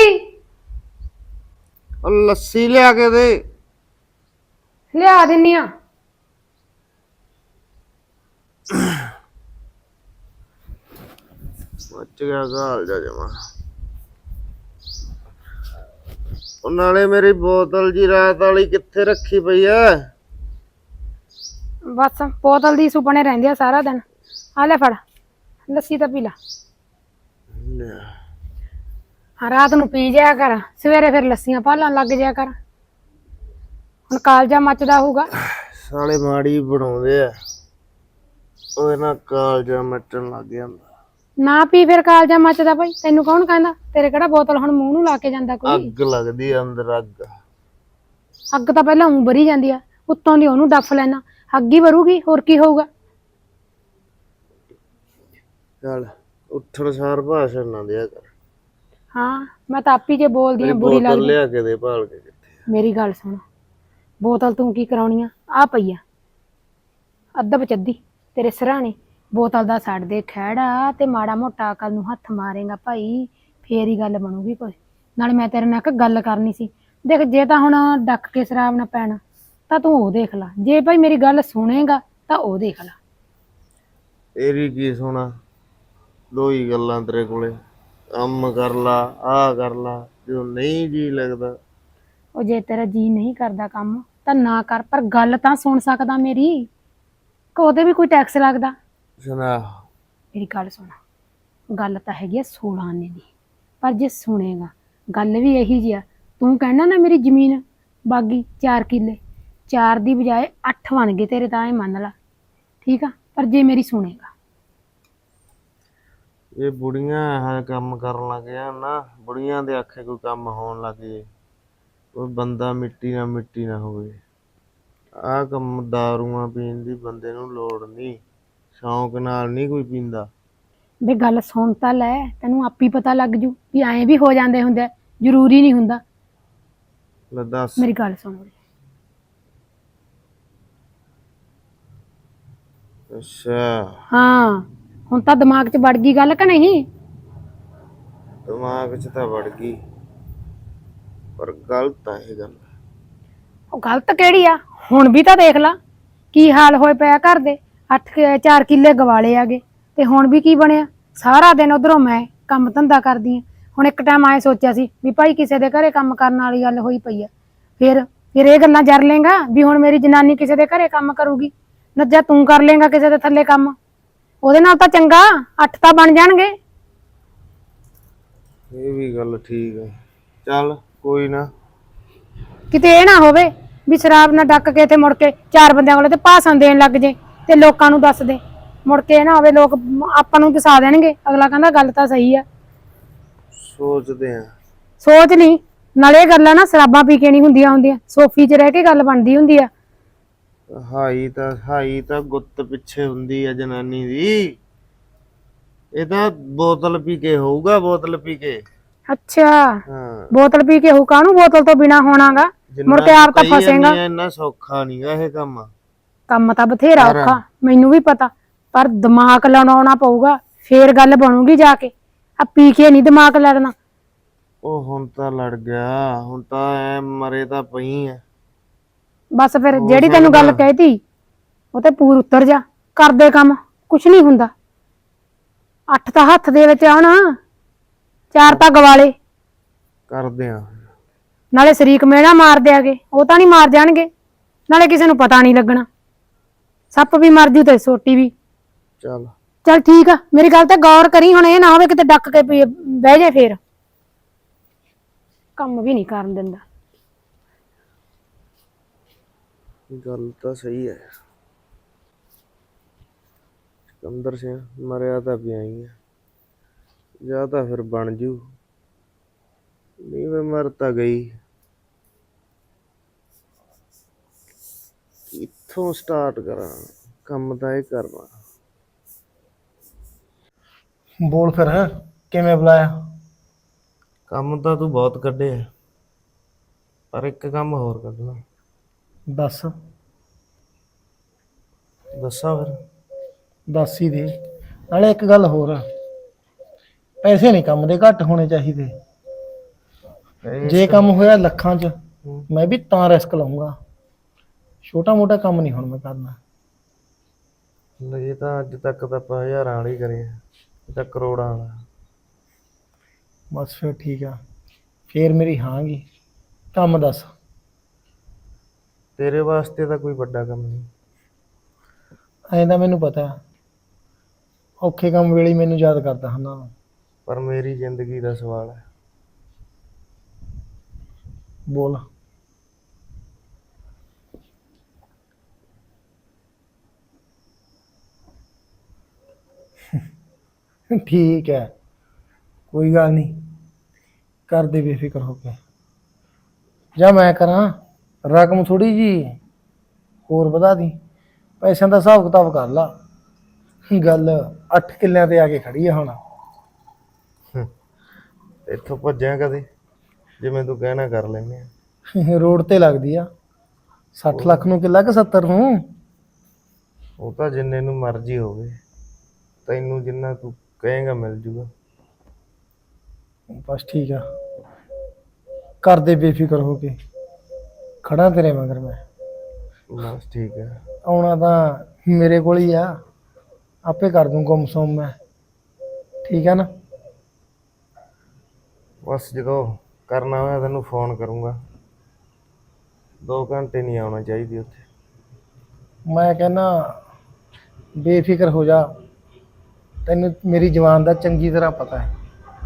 लस्सी लिया के दे। लिया दिन्नी आ। मच गया काल जा जमा। नाले मेरी बोतल जी रात वाली कित्थे रखी पई है? बस बोतल दी सुपने रहंदे आ सारा दिन। आ ले फड़ लस्सी तो पी ला। रात नूं पी जाया कर, सवेरे फिर लस्सियां भालन लग जाया कर। हुण कालजा मचदा होऊगा। साले माड़ी बनाउंदे आ, ओदे नाल कालजा मचण लग जांदा। ना पी फिर कालजा मचदा भाई, तैनू कौन कहंदा? तेरे किहड़ा बोतल हुण मूंह नूं ला के जांदा कोई? अग लगदी अंदर अग। अग तां पहलां ऊं भरी जांदी आ, उत्तों दी ओनू डफ लैना, अग ही भरूगी, होर की होऊगा? चल उठण सार भाषण ना दिया कर। हाँ मैं तां आपी जे बोलदी आ, बुरी बोतल लगदी। लिया के दे भाल के कित्थे। मेरी गल सुन, बोतल तू की कराउणी आ पई आ अद्ध बचद्दी तेरे सराणे। बोतल दा छड्ड दे खैड़ा ते माड़ा मोटा अकल नूं हत्थ मारेगा भाई, फेर ही गल बनूगी कोई। नाले मैं तेरे नाल इक गल करनी सी। देख जे तां हुण डक के शराब ना पैना तां तूं ओ देख ला, जे भाई मेरी गल सुनेगा तां ओ देख ला। तेरी की सुना, दो ही गल्लां तेरे कोले। काम कर ला, आ कर ला, जो नहीं जी लगदा। ओ जे तेरा जी नहीं करदा काम तां ना कर, पर गल तां सुन सकदा मेरी। कि ओहदे भी कोई टैक्स लगदा? सुना मेरी गल सुन, गल तां हैगी आ 16 आने दी, पर जे सुनेगा गल भी यही जी आ। तू कहना ना मेरी जमीन बागी 4 किले, 4 दी बजाए 8 बन गए तेरे, तां मान ला ठीक आ। पर जे मेरी सुनेगा, ये बुढ़ियां है काम करन लग जान ना, बुढ़ियां दे आखे कोई काम होन लग जाए, कोई बंदा मिट्टी ना होवे। आ कम दारूआं पीन दी बंदे नूं लोड़ नहीं, शौक नाल नहीं कोई पींदा। वे गल सुन तां लै, तैनूं आपी पता लग जू भी ऐं भी हो जांदे हुंदे, जरूरी नहीं हुंदा। ले दस। मेरी गल सुन। अच्छा हाँ हुण तां दिमाग च वड़ गई गल कि नहीं? दिमाग च तां वड़ गई, पर गलत है ये गल। ਉਹ ਗਲਤ ਕਿਹੜੀ ਆ? ਹੁਣ ਵੀ ਤਾਂ ਦੇਖ ਲਾ, ਕੀ ਹਾਲ ਹੋਏ ਪਿਆ ਘਰ ਦੇ 4 ਕਿੱਲੇ ਗਵਾਲੇ ਆਗੇ ਤੇ ਹੁਣ ਵੀ ਕੀ ਬਣਿਆ। ਸਾਰਾ ਦਿਨ ਉਧਰੋਂ ਮੈਂ ਕੰਮ ਧੰਦਾ ਕਰਦੀ ਆ। ਹੁਣ ਇੱਕ ਟਾਈਮ ਆਏ ਸੋਚਿਆ ਸੀ ਵੀ ਭਾਈ ਕਿਸੇ ਦੇ ਘਰੇ ਕੰਮ ਕਰਨ ਵਾਲੀ ਗੱਲ ਹੋਈ ਪਈ ਆ। ਫਿਰ ਇਹ ਗੱਲਾਂ ਜਰ ਲੇਗਾ ਵੀ ਹੁਣ ਮੇਰੀ ਜਨਾਨੀ ਕਿਸੇ ਦੇ ਘਰੇ ਕੰਮ ਕਰੂਗੀ। ਨੱਜਾ ਤੂੰ ਕਰ ਲੇਗਾ ਕਿਸੇ ਦੇ ਥੱਲੇ ਕੰਮ, ਉਹਦੇ ਨਾਲ ਤਾਂ ਚੰਗਾ 8 ਤਾਂ ਬਣ ਜਾਣਗੇ। ਇਹ ਵੀ ਗੱਲ ਠੀਕ ਹੈ। ਚੱਲ ਕੋਈ ਨਾ। ਕਿਤੇ ਇਹ ਨਾ ਹੋਵੇ ਵੀ ਸ਼ਰਾਬ ਨਾਲ ਡੱਕ ਕੇ ਤੇ ਮੁੜ ਕੇ 4 ਬੰਦਿਆਂ ਕੋਲੇ ਤੇ ਭਾਸ਼ਣ ਦੇਣ ਲੱਗ ਜੇ ਤੇ ਲੋਕਾਂ ਨੂੰ ਦੱਸ ਦੇ। ਮੁੜ ਕੇ ਇਹ ਨਾ ਹੋਵੇ ਲੋਕ ਆਪਾਂ ਨੂੰ ਦਸਾ ਦੇਣਗੇ, ਅਗਲਾ ਕਹਿੰਦਾ ਗੱਲ ਤਾਂ ਸਹੀ ਆ। ਸੋਚਦੇ ਆ। ਸੋਚ ਲਈ ਨਾਲੇ ਇਹ ਗੱਲਾਂ ਨਾ ਸ਼ਰਾਬਾਂ ਪੀ ਕੇ ਨਹੀਂ ਹੁੰਦੀਆਂ, ਸੋਫੀ 'ਚ ਰਹਿ ਕੇ ਗੱਲ ਬਣਦੀ ਹੁੰਦੀ ਆ। ਹਾਈ ਤਾਂ ਗੁੱਤ ਪਿੱਛੇ ਹੁੰਦੀ ਆ ਜਨਾਨੀ ਦੀ। ਇਹ ਤਾਂ ਬੋਤਲ ਪੀ ਕੇ ਹੋਊਗਾ, ਬੋਤਲ ਪੀ ਕੇ। ਅੱਛਾ, ਹਾਂ, ਬੋਤਲ ਪੀ ਕੇ ਹੋਊ, ਕਾਹਨੂੰ ਬੋਤਲ ਤੋਂ ਬਿਨਾ ਹੋਣਾਗਾ। ਮੁੜ ਕੇ ਆਪ ਤਾਂ ਫਸੇਗਾ। ਇੰਨਾ ਸੌਖਾ ਨਹੀਂਗਾ ਇਹ ਕੰਮ। ਕੰਮ ਤਾਂ ਬਥੇਰਾ ਔਖਾ, ਮੈਨੂੰ ਵੀ ਪਤਾ, ਪਰ ਦਿਮਾਗ ਲਾਉਣਾ ਪਊਗਾ ਫੇਰ ਗੱਲ ਬਣੂਗੀ ਜਾ ਕੇ। ਆ ਪੀ ਕੇ ਨਹੀਂ ਦਿਮਾਗ ਲੜਨਾ। ਉਹ ਹੁਣ ਤਾਂ ਲੜ ਗਿਆ, ਹੁਣ ਤਾਂ ਐ ਮਰੇ ਤਾਂ ਪਈ ਐ। ਬਸ ਫਿਰ ਜਿਹੜੀ ਤੈਨੂੰ ਗੱਲ ਕਹਿਤੀ ਉਹ ਤੇ ਪੂਰ ਉਤਰ ਜਾ, ਕਰਦੇ ਕੰਮ, ਕੁਛ ਨਹੀਂ ਹੁੰਦਾ। 8 ਤਾਂ ਹੱਥ ਦੇ ਵਿੱਚ ਆਉਣ, 4 ਤਾਂ ਗਵਾਲੇ। ਕਰਦੇ ਆ। ਨਾਲੇ ਸ਼ਰੀਕ ਮੇਣਾ ਮਾਰ ਦਿਆਗੇ, ਉਹ ਤਾਂ ਨਹੀਂ ਮਾਰ ਜਾਣਗੇ। ਨਾਲੇ ਕਿਸੇ ਨੂੰ ਪਤਾ ਨਹੀਂ ਲੱਗਣਾ। ਸੱਪ ਵੀ ਮਰ ਜੂ ਤੇ ਸੋਟੀ ਵੀ। ਚੱਲ ਠੀਕ ਆ, ਮੇਰੀ ਗੱਲ ਤੇ ਗੌਰ ਕਰੀ। ਹੁਣ ਇਹ ਨਾ ਹੋਵੇ ਕਿਤੇ ਡੱਕ ਕੇ ਬਹਿ ਜੇ, ਫੇਰ ਕੰਮ ਵੀ ਨਹੀਂ ਕਰਨ ਦਿੰਦਾ। ਗੱਲ ਤਾਂ ਸਹੀ ਹੈ। ਸਿਕੰਦਰ ਸਿੰਘ ਮਰਿਆ ਤਾਂ ਪਿਆ ਹੀ ਆ, ਜਾਂ ਤਾਂ ਫਿਰ ਬਣ ਜੂ, ਨਹੀਂ ਫਿਰ ਮਰ ਤਾਂ ਗਈ। ਕਿੱਥੋਂ ਸਟਾਰਟ ਕਰਾਂ, ਕੰਮ ਤਾਂ ਇਹ ਕਰਨਾ। ਬੋਲ ਫਿਰ, ਕਿਵੇਂ ਬੁਲਾਇਆ? ਕੰਮ ਤਾਂ ਤੂੰ ਬਹੁਤ ਕੱਢੇ, ਪਰ ਇੱਕ ਕੰਮ ਹੋਰ ਕੱਢਣਾ। ਦੱਸ। ਦੱਸਾਂ ਫਿਰ? ਦੱਸ ਹੀ ਦੇ। ਨਾਲੇ ਇੱਕ ਗੱਲ ਹੋਰ, ਪੈਸੇ ਨਹੀਂ ਕੰਮ ਦੇ ਘੱਟ ਹੋਣੇ ਚਾਹੀਦੇ। ਜੇ ਕੰਮ ਹੋਇਆ ਲੱਖਾਂ 'ਚ, ਮੈਂ ਵੀ ਤਾਂ ਰਿਸਕ ਲਊਂਗਾ। ਛੋਟਾ ਮੋਟਾ ਕੰਮ ਨਹੀਂ ਹੁਣ ਮੈਂ ਕਰਨਾ। ਇਹ ਤਾਂ ਅੱਜ ਤੱਕ ਤਾਂ ਆਪਾਂ ਹਜ਼ਾਰਾਂ ਵਾਲੀ ਕਰੇ, ਇਹ ਤਾਂ ਕਰੋੜਾਂ ਵਾਲਾ। ਬਸ ਫਿਰ ਠੀਕ ਆ, ਫੇਰ ਮੇਰੀ ਹਾਂਗੀ। ਕੰਮ ਦੱਸ। ਤੇਰੇ ਵਾਸਤੇ ਤਾਂ ਕੋਈ ਵੱਡਾ ਕੰਮ ਨਹੀਂ। ਐਂ ਤਾਂ ਮੈਨੂੰ ਪਤਾ, ਔਖੇ ਕੰਮ ਵੇਲੇ ਮੈਨੂੰ ਯਾਦ ਕਰਦਾ ਹੁੰਦਾ। ਪਰ ਮੇਰੀ ਜ਼ਿੰਦਗੀ ਦਾ ਸਵਾਲ ਹੈ। ਬੋਲ। ਠੀਕ ਹੈ, ਕੋਈ ਗੱਲ ਨਹੀਂ, ਕਰਦੇ ਬੇਫਿਕਰ ਹੋ ਕੇ। ਜਾਂ ਮੈਂ ਕਰਾਂ, ਰਕਮ ਥੋੜੀ ਜੀ ਹੋਰ ਵਧਾ ਦੀ, ਪੈਸਿਆਂ ਦਾ ਹਿਸਾਬ ਕਿਤਾਬ ਕਰ ਲਾ। ਗੱਲ 8 ਕਿੱਲਿਆਂ ਤੇ ਆ ਕੇ ਖੜੀ ਆ ਹੁਣ। ਇੱਥੋਂ ਭੱਜਿਆ ਕਦੇ? ਜਿਵੇਂ ਤੂੰ ਕਹਿਣਾ ਕਰ ਲੈਂਦੇ ਆ। ਰੋਡ ਤੇ ਲੱਗਦੀ ਆ। 60 ਲੱਖ ਨੂੰ ਕਿੱਲਾ ਕਿ 70 ਨੂੰ? ਉਹ ਤਾਂ ਜਿੰਨੇ ਨੂੰ ਮਰਜ਼ੀ ਹੋਵੇ, ਤੈਨੂੰ ਜਿੰਨਾ ਤੂੰ ਕਹੇਗਾ ਮਿਲ ਜੂਗਾ। ਬਸ ਠੀਕ ਆ, ਕਰਦੇ ਬੇਫਿਕਰ ਹੋ ਕੇ, ਖੜਾ ਤੇਰੇ ਮਗਰ ਮੈਂ। ਬਸ ਠੀਕ ਹੈ। ਆਉਣਾ ਤਾਂ ਮੇਰੇ ਕੋਲ ਹੀ ਆ, ਆਪੇ ਕਰ ਦੂੰ ਗੁੰਮ ਸੁੰਮ ਮੈਂ। ਠੀਕ ਆ ਨਾ? ਬਸ ਜਦੋਂ ਕਰਨਾ ਹੋਇਆ ਤੈਨੂੰ ਫੋਨ ਕਰੂੰਗਾ। 2 ਘੰਟੇ ਨਹੀਂ ਆਉਣਾ ਚਾਹੀਦੀ ਉੱਥੇ। ਮੈਂ ਕਹਿੰਦਾ ਬੇਫਿਕਰ ਹੋ ਜਾ, ਤੈਨੂੰ ਮੇਰੀ ਜਵਾਨ ਦਾ ਚੰਗੀ ਤਰ੍ਹਾਂ ਪਤਾ ਹੈ।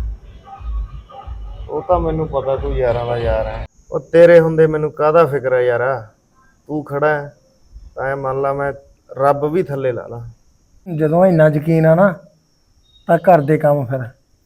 ਉਹ ਤਾਂ ਮੈਨੂੰ ਪਤਾ ਤੂੰ ਯਾਰਾਂ ਦਾ ਯਾਰ ਹੈ। ਉਹ ਤੇਰੇ ਹੁੰਦੇ ਮੈਨੂੰ ਕਾਹਦਾ ਫਿਕਰ ਹੈ ਯਾਰਾ। ਤੂੰ ਖੜਾ ਹੈ ਤਾਂ ਐਂ ਮੰਨ ਲਾ ਮੈਂ ਰੱਬ ਵੀ ਥੱਲੇ ਲਾ ਲਾ। ਜਦੋਂ ਇੰਨਾ ਯਕੀਨ ਆ ਨਾ ਤਾਂ ਘਰ ਦੇ ਕੰਮ ਫਿਰ।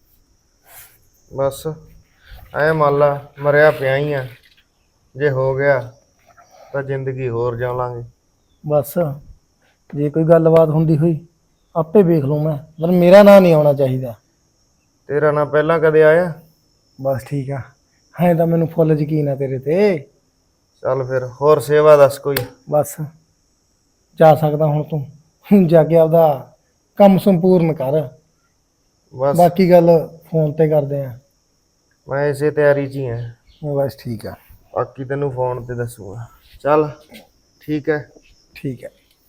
ਬਸ ਐਂ ਮੰਨ ਲਾ ਮਰਿਆ ਪਿਆ ਹੀ ਆ, ਜੇ ਹੋ ਗਿਆ ਤਾਂ ਜ਼ਿੰਦਗੀ ਹੋਰ ਜਿਉ ਲਾਂਗੇ। ਬਸ ਜੇ ਕੋਈ ਗੱਲਬਾਤ ਹੁੰਦੀ ਹੋਈ ਆਪੇ ਵੇਖ ਲੂੰ ਮੈਂ, ਪਰ ਮੇਰਾ ਨਾਂ ਨਹੀਂ ਆਉਣਾ ਚਾਹੀਦਾ। ਤੇਰਾ ਨਾਂ ਪਹਿਲਾਂ ਕਦੇ ਆਇਆ? ਬਸ ਠੀਕ ਆ, ਐਂ ਤਾਂ ਮੈਨੂੰ ਫੁੱਲ ਯਕੀਨ ਆ ਤੇਰੇ ਤੇ। ਚੱਲ ਫਿਰ ਹੋਰ ਸੇਵਾ ਦੱਸ ਕੋਈ। ਬਸ ਜਾ ਸਕਦਾ ਹੁਣ ਤੂੰ, ਜਾ ਕੇ ਆਪਦਾ ਕੰਮ ਸੰਪੂਰਨ ਕਰ। ਬਸ ਬਾਕੀ ਗੱਲ ਫੋਨ ਤੇ ਕਰਦੇ ਆ। ਮੈਂ ਇਸੇ ਤਿਆਰੀ 'ਚ ਹੀ ਹਾਂ। ਬਸ ਠੀਕ ਆ। ਬਾਕੀ ਤੈਨੂੰ ਫੋਨ ਤੇ ਦੱਸੂਗਾ। ਚੱਲ ਠੀਕ ਹੈ। ਠੀਕ ਹੈ।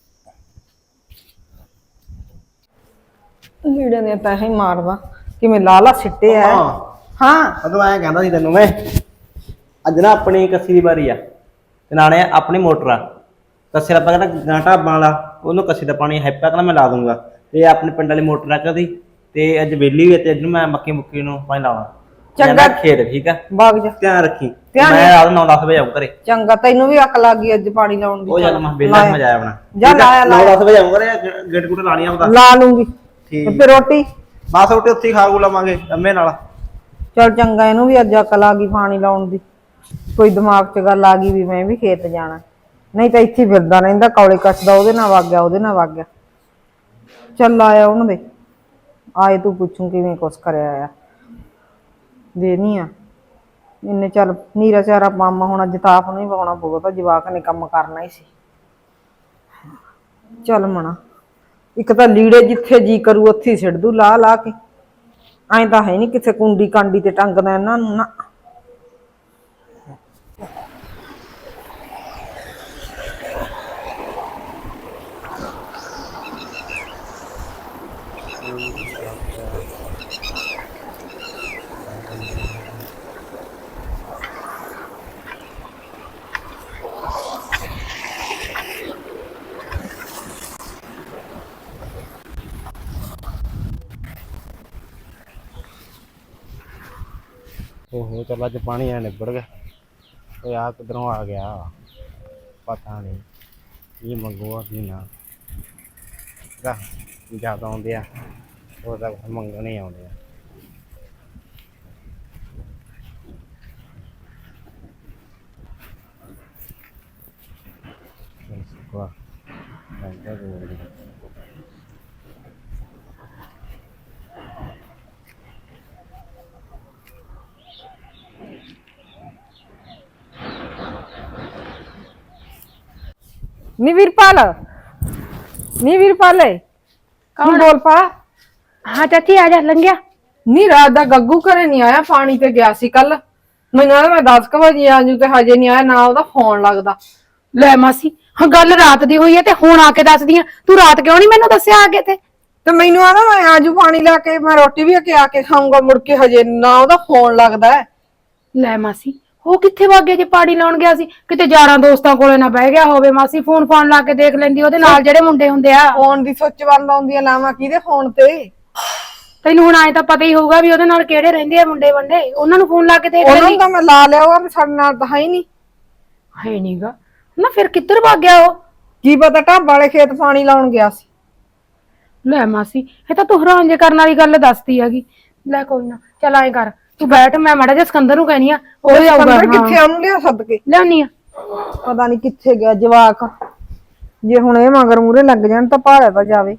ਲੀੜੇ ਨੇ ਤਾਂ ਹੀ ਮਾਰਦਾ ਕਿਵੇਂ ਲਾਲਾ ਸਿੱਟੇ ਆ ਹਾਂ ਉਦੋਂ ਐਂ ਕਹਿੰਦਾ ਸੀ ਤੈਨੂੰ ਮੈਂ ਅੱਜ ਨਾ ਆਪਣੀ ਕੱਸੀ ਦੀ ਵਾਰੀ ਆ ਤੇ ਨਾਲੇ ਆਪਣੀ ਮੋਟਰ ਆ ਕੱਸੇ ਦਾ ਕਹਿੰਦਾ ਗਾਂਟਾ ਵਾਲਾ ਉਹਨੂੰ ਕੱਸੀ ਦਾ ਪਾਣੀ ਹੈਪਾ ਕਹਿੰਦਾ ਮੈਂ ਲਾ ਦੂੰਗਾ ਤੇ ਆਪਣੇ ਪਿੰਡ ਵਾਲੀ ਮੋਟਰ ਆ ਕਦੀ ਤੇ ਅੱਜ ਵਿਹਲੀ ਹੋਈ ਤੇ ਅੱਜ ਨੂੰ ਮੈਂ ਮੱਕੀ ਮੁੱਕੀ ਨੂੰ ਪਾਣੀ ਲਾਉਣਾ ਚੰਗਾ ਖੇਤ ਠੀਕ ਆ ਬਾਗ ਜਾ ਧਿਆਨ ਰੱਖੀ ਧਿਆਨ ਮੈਂ ਰਾਤ 9-10 ਵਜੇ ਆਉਂ ਘਰੇ ਚੰਗਾ ਤੈਨੂੰ ਵੀ ਅੱਖ ਲੱਗ ਗਈ ਅੱਜ ਪਾਣੀ ਲਾਉਣ ਦੀ ਉਹ ਜਦ ਮੈਂ ਵਿਹਲਾ ਮਜ਼ਾ ਆਇਆ ਆਪਣਾ ਜਾ ਲਾਇਆ 9-10 ਵਜੇ ਆਉਂ ਘਰੇ ਗੇਟ ਗੁੱਟ ਲਾਣੀ ਆਉਂਦਾ ਲਾ ਲੂੰਗੀ ਠੀਕ ਤੇ ਫਿਰ ਰੋਟੀ ਬਸ ਰੋਟੀ ਉੱਥੇ ਹੀ ਖਾ ਲਵਾਂਗੇ ਅੰਮੇ ਨਾਲ ਚਲ ਚੰਗਾ ਇਹਨੂੰ ਵੀ ਅੱਜ ਅਕਲ ਆ ਗਈ ਪਾਣੀ ਲਾਉਣ ਦੀ ਕੋਈ ਦਿਮਾਗ 'ਚ ਗੱਲ ਆ ਗਈ ਵੀ ਮੈਂ ਵੀ ਖੇਤ ਜਾਣਾ ਨਹੀਂ ਤਾਂ ਇੱਥੇ ਫਿਰਦਾ ਰਹਿੰਦਾ ਕੌਲੇ ਕੱਛਦਾ ਉਹਦੇ ਨਾਲ ਵਗ ਗਿਆ ਉਹਦੇ ਨਾਲ ਵਗ ਗਿਆ ਚੱਲ ਆਇਆ ਉਹਨਾਂ ਦੇ ਆਏ ਤੂੰ ਪੁੱਛੂ ਕਿਵੇਂ ਕੁਛ ਕਰਿਆ ਆ ਦੇਣੀ ਆ ਇੰਨੇ ਚੱਲ ਨੀਰਾ ਚਾਰਾ ਮਾਮਾ ਹੁਣ ਅੱਜ ਤਾਪ ਨੂੰ ਹੀ ਪਾਉਣਾ ਪਊਗਾ ਤਾਂ ਜਵਾਕ ਨੇ ਕੰਮ ਕਰਨਾ ਹੀ ਸੀ ਚੱਲ ਮਣਾ ਇੱਕ ਤਾਂ ਲੀੜੇ ਜਿੱਥੇ ਜੀ ਕਰੂ ਉੱਥੇ ਹੀ ਸਿੱਟ ਦੂ ਲਾ ਲਾ ਕੇ ਐਂ ਤਾਂ ਹੈ ਨਹੀਂ ਕਿਸੇ ਕੁੰਡੀ ਕਾਂਡੀ ਤੇ ਟੰਗਦਾ ਇਹਨਾਂ ਨੂੰ ਨਾ ਓਹੋ ਚੱਲ ਅੱਜ ਪਾਣੀ ਆ ਨਿਬੜ ਗਿਆ ਓਏ ਆ ਕਿਧਰੋਂ ਆ ਗਿਆ ਪਤਾ ਨਹੀਂ ਕੀ ਮੰਗੂਆ ਕੀ ਨਾ ਜਿਆਦਾ ਆਉਂਦੇ ਆ ਉਹ ਤਾਂ ਮੰਗਣ ਹੀ ਆਉਂਦੇ ਆ ਵਾਹ ਮੈਂ ਨੀ ਵੀਰਪਾਲ ਕੌਣ ਬੋਲ ਪਾ ਹਾਂ ਚਾਚੀ ਆ ਜਾ ਲੰਘਿਆ। ਨੀ ਰਾਤ ਦਾ ਗੱਗੂ ਘਰੇ ਨਹੀਂ ਆਇਆ ਪਾਣੀ ਤੇ ਗਿਆ ਸੀ ਕੱਲ ਮੈਨੂੰ ਕਹਿੰਦਾ ਮੈਂ 10 ਵਜੇ ਆ ਜੂ ਤੇ ਹਜੇ ਨਹੀਂ ਆਇਆ ਨਾ ਉਹਦਾ ਫੋਨ ਲੱਗਦਾ ਲੈ ਮਾਸੀ ਹਾਂ ਗੱਲ ਰਾਤ ਦੀ ਹੋਈ ਹੈ ਤੇ ਹੁਣ ਆ ਕੇ ਦੱਸਦੀ ਆ ਤੂੰ ਰਾਤ ਕਿਉਂ ਨਹੀਂ ਮੈਨੂੰ ਦੱਸਿਆ ਆਗੇ ਤੇ ਮੈਨੂੰ ਆਦਾ ਮੈਂ ਆਜੂ ਪਾਣੀ ਲਾ ਕੇ ਮੈਂ ਰੋਟੀ ਵੀ ਆ ਕੇ ਖਾਊਂਗਾ ਮੁੜ ਕੇ ਹਜੇ ਨਾ ਉਹਦਾ ਫੋਨ ਲੱਗਦਾ ਲੈ ਮਾਸੀ ਉਹ ਕਿੱਥੇ ਵਗ ਗਿਆ ਜੇ ਪਾਣੀ ਲਾਉਣ ਗਿਆ ਸੀ ਕਿਤੇ ਯਾਰਾਂ ਦੋਸਤਾਂ ਕੋਲੇ ਨਾ ਬਹਿ ਗਿਆ ਹੋਵੇ ਮਾਸੀ ਫੋਨ ਲਾ ਕੇ ਦੇਖ ਲੈਂਦੀ ਉਹਦੇ ਨਾਲ ਜਿਹੜੇ ਮੁੰਡੇ ਹੁੰਦੇ ਆ ਫੋਨ ਦੀ ਸੁੱਚ ਬੰਦ ਆਉਂਦੀਆਂ ਲਾਵਾਂ ਕਿਹਦੇ ਫੋਨ ਤੇ ਤੈਨੂੰ ਹੁਣ ਆਏ ਤਾਂ ਪਤਾ ਹੀ ਹੋਊਗਾ ਵੀ ਉਹਦੇ ਨਾਲ ਕਿਹੜੇ ਰਹਿੰਦੇ ਆ ਮੁੰਡੇ ਵੰਡੇ ਉਹਨਾਂ ਨੂੰ ਫੋਨ ਲਾ ਕੇ ਦੇਖ ਉਹਨਾਂ ਲੈਂਦੀ ਨੂੰ ਤਾਂ ਮੈਂ ਲਾ ਲਿਆ ਉਹ ਸਾਡੇ ਨਾਲ ਤਾਂ ਹੈ ਨਹੀਂ ਹੈ ਨਹੀਂਗਾ ਨਾ ਫਿਰ ਕਿੱਧਰ ਵਗ ਗਿਆ ਉਹ ਕੀ ਪਤਾ ਢਾਬ ਵਾਲੇ ਖੇਤ ਪਾਣੀ ਲਾਉਣ ਗਿਆ ਸੀ ਲੈ ਮਾਸੀ ਇਹ ਤਾਂ ਤੂੰ ਹੈਰਾਨ ਜੇ ਕਰਨ ਵਾਲੀ ਗੱਲ ਦੱਸਦੀ ਹੈਗੀ ਲੈ ਕੋਈ ਨਾ ਚੱਲ ਆਏ ਕਰ ਤੂੰ ਬੈਠ ਮੈਂ ਮਾੜਾ ਜਿਹਾ ਸਿਕੰਦਰ ਨੂੰ ਕਹਿਨੀ ਆ ਉਹ ਜਾਊਗਾ ਕਿੱਥੇ ਉਹਨੂੰ ਲਿਆ ਸੱਦ ਕੇ ਲਿਆਉਣੀ ਆ ਪਤਾ ਨਹੀਂ ਕਿੱਥੇ ਗਿਆ ਜਵਾਕ ਜੇ ਹੁਣ ਇਹ ਮਗਰ ਮੂਰੇ ਲੱਗ ਜਾਣ ਤਾਂ ਭਾੜਾ ਤਾਂ ਜਾਵੇ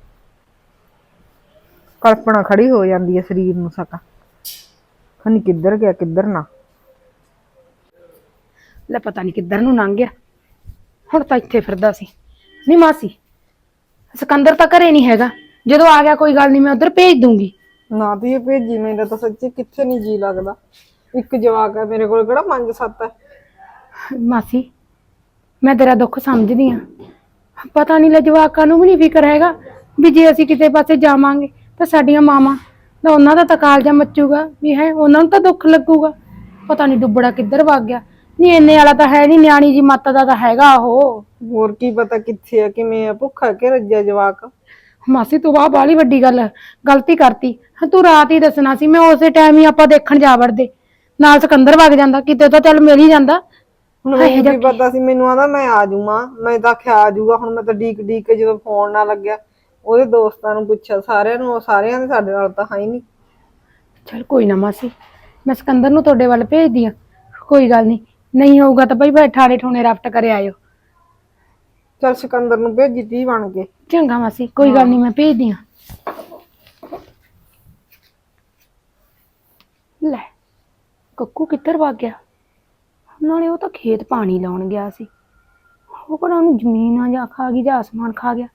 ਕਲਪਨਾ ਖੜੀ ਹੋ ਜਾਂਦੀ ਹੈ ਸਰੀਰ ਨੂੰ ਸਕਾ ਖਨੀ ਕਿੱਧਰ ਗਿਆ ਕਿੱਧਰ ਨਾ ਲੈ ਪਤਾ ਨਹੀਂ ਕਿੱਧਰ ਨੂੰ ਲੰਘ ਗਿਆ ਹੁਣ ਤਾਂ ਇੱਥੇ ਫਿਰਦਾ ਸੀ ਨਹੀਂ ਮਾਸੀ ਸਿਕੰਦਰ ਤਾਂ ਘਰੇ ਨਹੀਂ ਹੈਗਾ ਜਦੋਂ ਆ ਗਿਆ ਕੋਈ ਗੱਲ ਨਹੀਂ ਮੈਂ ਉਧਰ ਭੇਜ ਦੂੰਗੀ ਨਾ ਤੇ ਇਹ ਭੇਜੀ ਮੈਨੂੰ ਤਾਂ ਸੱਚੀ ਕਿੱਥੇ ਨਹੀਂ ਜੀ ਲੱਗਦਾ ਇੱਕ ਜਵਾਕ ਹੈ ਮੇਰੇ ਕੋਲ ਕਿਹੜਾ 5-7 ਹੈ ਮਾਸੀ ਮੈਂ ਤੇਰਾ ਦੁੱਖ ਸਮਝਦੀ ਆ ਪਤਾ ਨਹੀਂ ਲੈ ਜਵਾਕਾਂ ਨੂੰ ਵੀ ਨਹੀਂ ਫਿਕਰ ਹੈਗਾ ਵੀ ਜੇ ਅਸੀਂ ਕਿਤੇ ਪਾਸੇ ਜਾਵਾਂਗੇ ਤਾਂ ਸਾਡੀਆਂ ਮਾਵਾਂ ਤਾਂ ਉਹਨਾਂ ਦਾ ਤਾਂ ਕਾਲਜਾ ਮੱਚੂਗਾ ਵੀ ਹੈ ਉਹਨਾਂ ਨੂੰ ਤਾਂ ਦੁੱਖ ਲੱਗੂਗਾ ਪਤਾ ਨਹੀਂ ਡੁੱਬੜਾ ਕਿੱਧਰ ਵਗ ਗਿਆ ਨਹੀਂ ਇੰਨੇ ਵਾਲਾ ਤਾਂ ਹੈ ਨਹੀਂ ਨਿਆਣੀ ਜੀ ਮੱਤ ਦਾ ਤਾਂ ਹੈਗਾ ਉਹ ਹੋਰ ਕੀ ਪਤਾ ਕਿੱਥੇ ਆ ਕਿਵੇਂ ਆ ਭੁੱਖਾ ਕਿ ਰੱਜਿਆ ਜਵਾਕ ਮਾਸੀ ਤੂੰ ਬਾਹਲੀ ਵੱਡੀ ਗਲਤੀ ਕਰਤੀ ਤੂੰ ਰਾਤ ਹੀ ਦੱਸਣਾ ਸੀ ਮੈਂ ਉਸੇ ਟਾਈਮ ਹੀ ਆਪਾਂ ਦੇਖਣ ਜਾ ਵੜਦੇ ਨਾਲ ਸਿਕੰਦਰ ਵਗ ਜਾਂਦਾ ਕਿਤੇ ਤਾਂ ਚੱਲ ਮਿਲ ਹੀ ਜਾਂਦਾ ਹੁਣ ਮੈਨੂੰ ਕੀ ਪਤਾ ਸੀ ਮੈਨੂੰ ਆਦਾ ਮੈਂ ਆ ਜਾਊਂਗਾ ਮੈਂ ਤਾਂ ਆਖਿਆ ਆ ਜਾਊਗਾ ਹੁਣ ਮੈਂ ਤਾਂ ਡੀਕ ਕੇ ਜਦੋਂ ਫੋਨ ਨਾ ਲੱਗਿਆ ਉਹਦੇ ਦੋਸਤਾਂ ਨੂੰ ਪੁੱਛਿਆ ਸਾਰਿਆਂ ਨੂੰ ਸਾਰਿਆਂ ਦੇ ਸਾਡੇ ਨਾਲ ਤਾਂ ਹੈ ਹੀ ਨਹੀਂ ਚਲ ਕੋਈ ਨਾ ਮਾਸੀ ਮੈਂ ਸਿਕੰਦਰ ਨੂੰ ਤੁਹਾਡੇ ਵੱਲ ਭੇਜਦੀ ਆ ਕੋਈ ਗੱਲ ਨਹੀਂ ਹੋਊਗਾ ਤਾਂ ਬਈ ਠਾਣੇ ਠੋਣੇ ਰਫਟ ਕਰੇ ਆਇਓ ਚਲ ਸਿਕੰਦਰ ਨੂੰ ਭੇਜੀ 30 ਬਣ ਕੇ ਚੰਗਾ ਮਾਸੀ ਕੋਈ ਗੱਲ ਨਹੀਂ ਮੈਂ ਭੇਜਦੀ ਆ ਲੈ ਕੱਕੂ ਕਿੱਧਰ ਵਗ ਗਿਆ ਨਾਲੇ ਉਹ ਤਾਂ ਖੇਤ ਪਾਣੀ ਲਾਉਣ ਗਿਆ ਸੀ ਉਹ ਕਿਹੜਾ ਉਹਨੂੰ ਜ਼ਮੀਨ ਆ ਜਾਂ ਖਾ ਗਈ ਜਾਂ ਆਸਮਾਨ ਖਾ ਗਿਆ